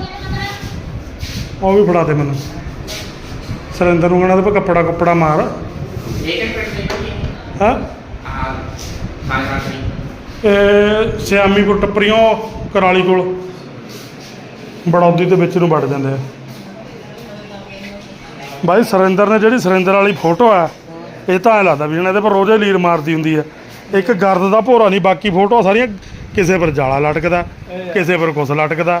ਉਹ ਵੀ ਫੜਾ ਦੇ ਮੈਨੂੰ ਸੁਰਿੰਦਰ ਨੂੰ ਕਹਿਣਾ ਤੇ ਕੱਪੜਾ ਮਾਰ
ਇਹ ਕਿਹੜੀ ਕੰਟਰੀ ਹੈ
ਹਾਂ
ਆ ਸਾਰੀ ਕੰਟਰੀ
ਇਹ ਸਿਆਮੀਪੁਰ ਟੱਪਰੀਆਂ ਕਰਾਲੀ ਕੋਲ ਬੜੌਦੀ ਦੇ ਵਿੱਚ ਨੂੰ ਵੜ ਜਾਂਦੇ ਆ ਬਾਈ ਸੁਰਿੰਦਰ ਨੇ ਜਿਹੜੀ ਸੁਰਿੰਦਰ ਵਾਲੀ ਫੋਟੋ ਆ ਇਹ ਤਾਂ ਐਂ ਲੱਗਦਾ ਵੀ ਇਹਦੇ ਪਰ ਰੋਜ਼ੇ ਲੀਰ ਮਾਰਦੀ ਹੁੰਦੀ ਹੈ ਇੱਕ ਗਰਦ ਦਾ ਭੋਰਾ ਨਹੀਂ ਬਾਕੀ ਫੋਟੋਆਂ ਸਾਰੀਆਂ ਕਿਸੇ ਪਰ ਜਾਲਾ ਲਟਕਦਾ ਕਿਸੇ ਪਰ ਕੁਛ ਲਟਕਦਾ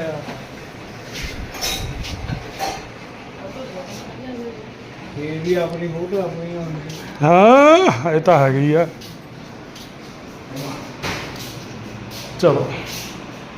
ਇਹ ਵੀ ਆਪਣੀ ਫੋਟੋ ਆਪਣੀ ਹੁੰਦੀ
ਹਾਂ ਇਹ ਤਾਂ ਹੈਗੀ ਆ ਚਲੋ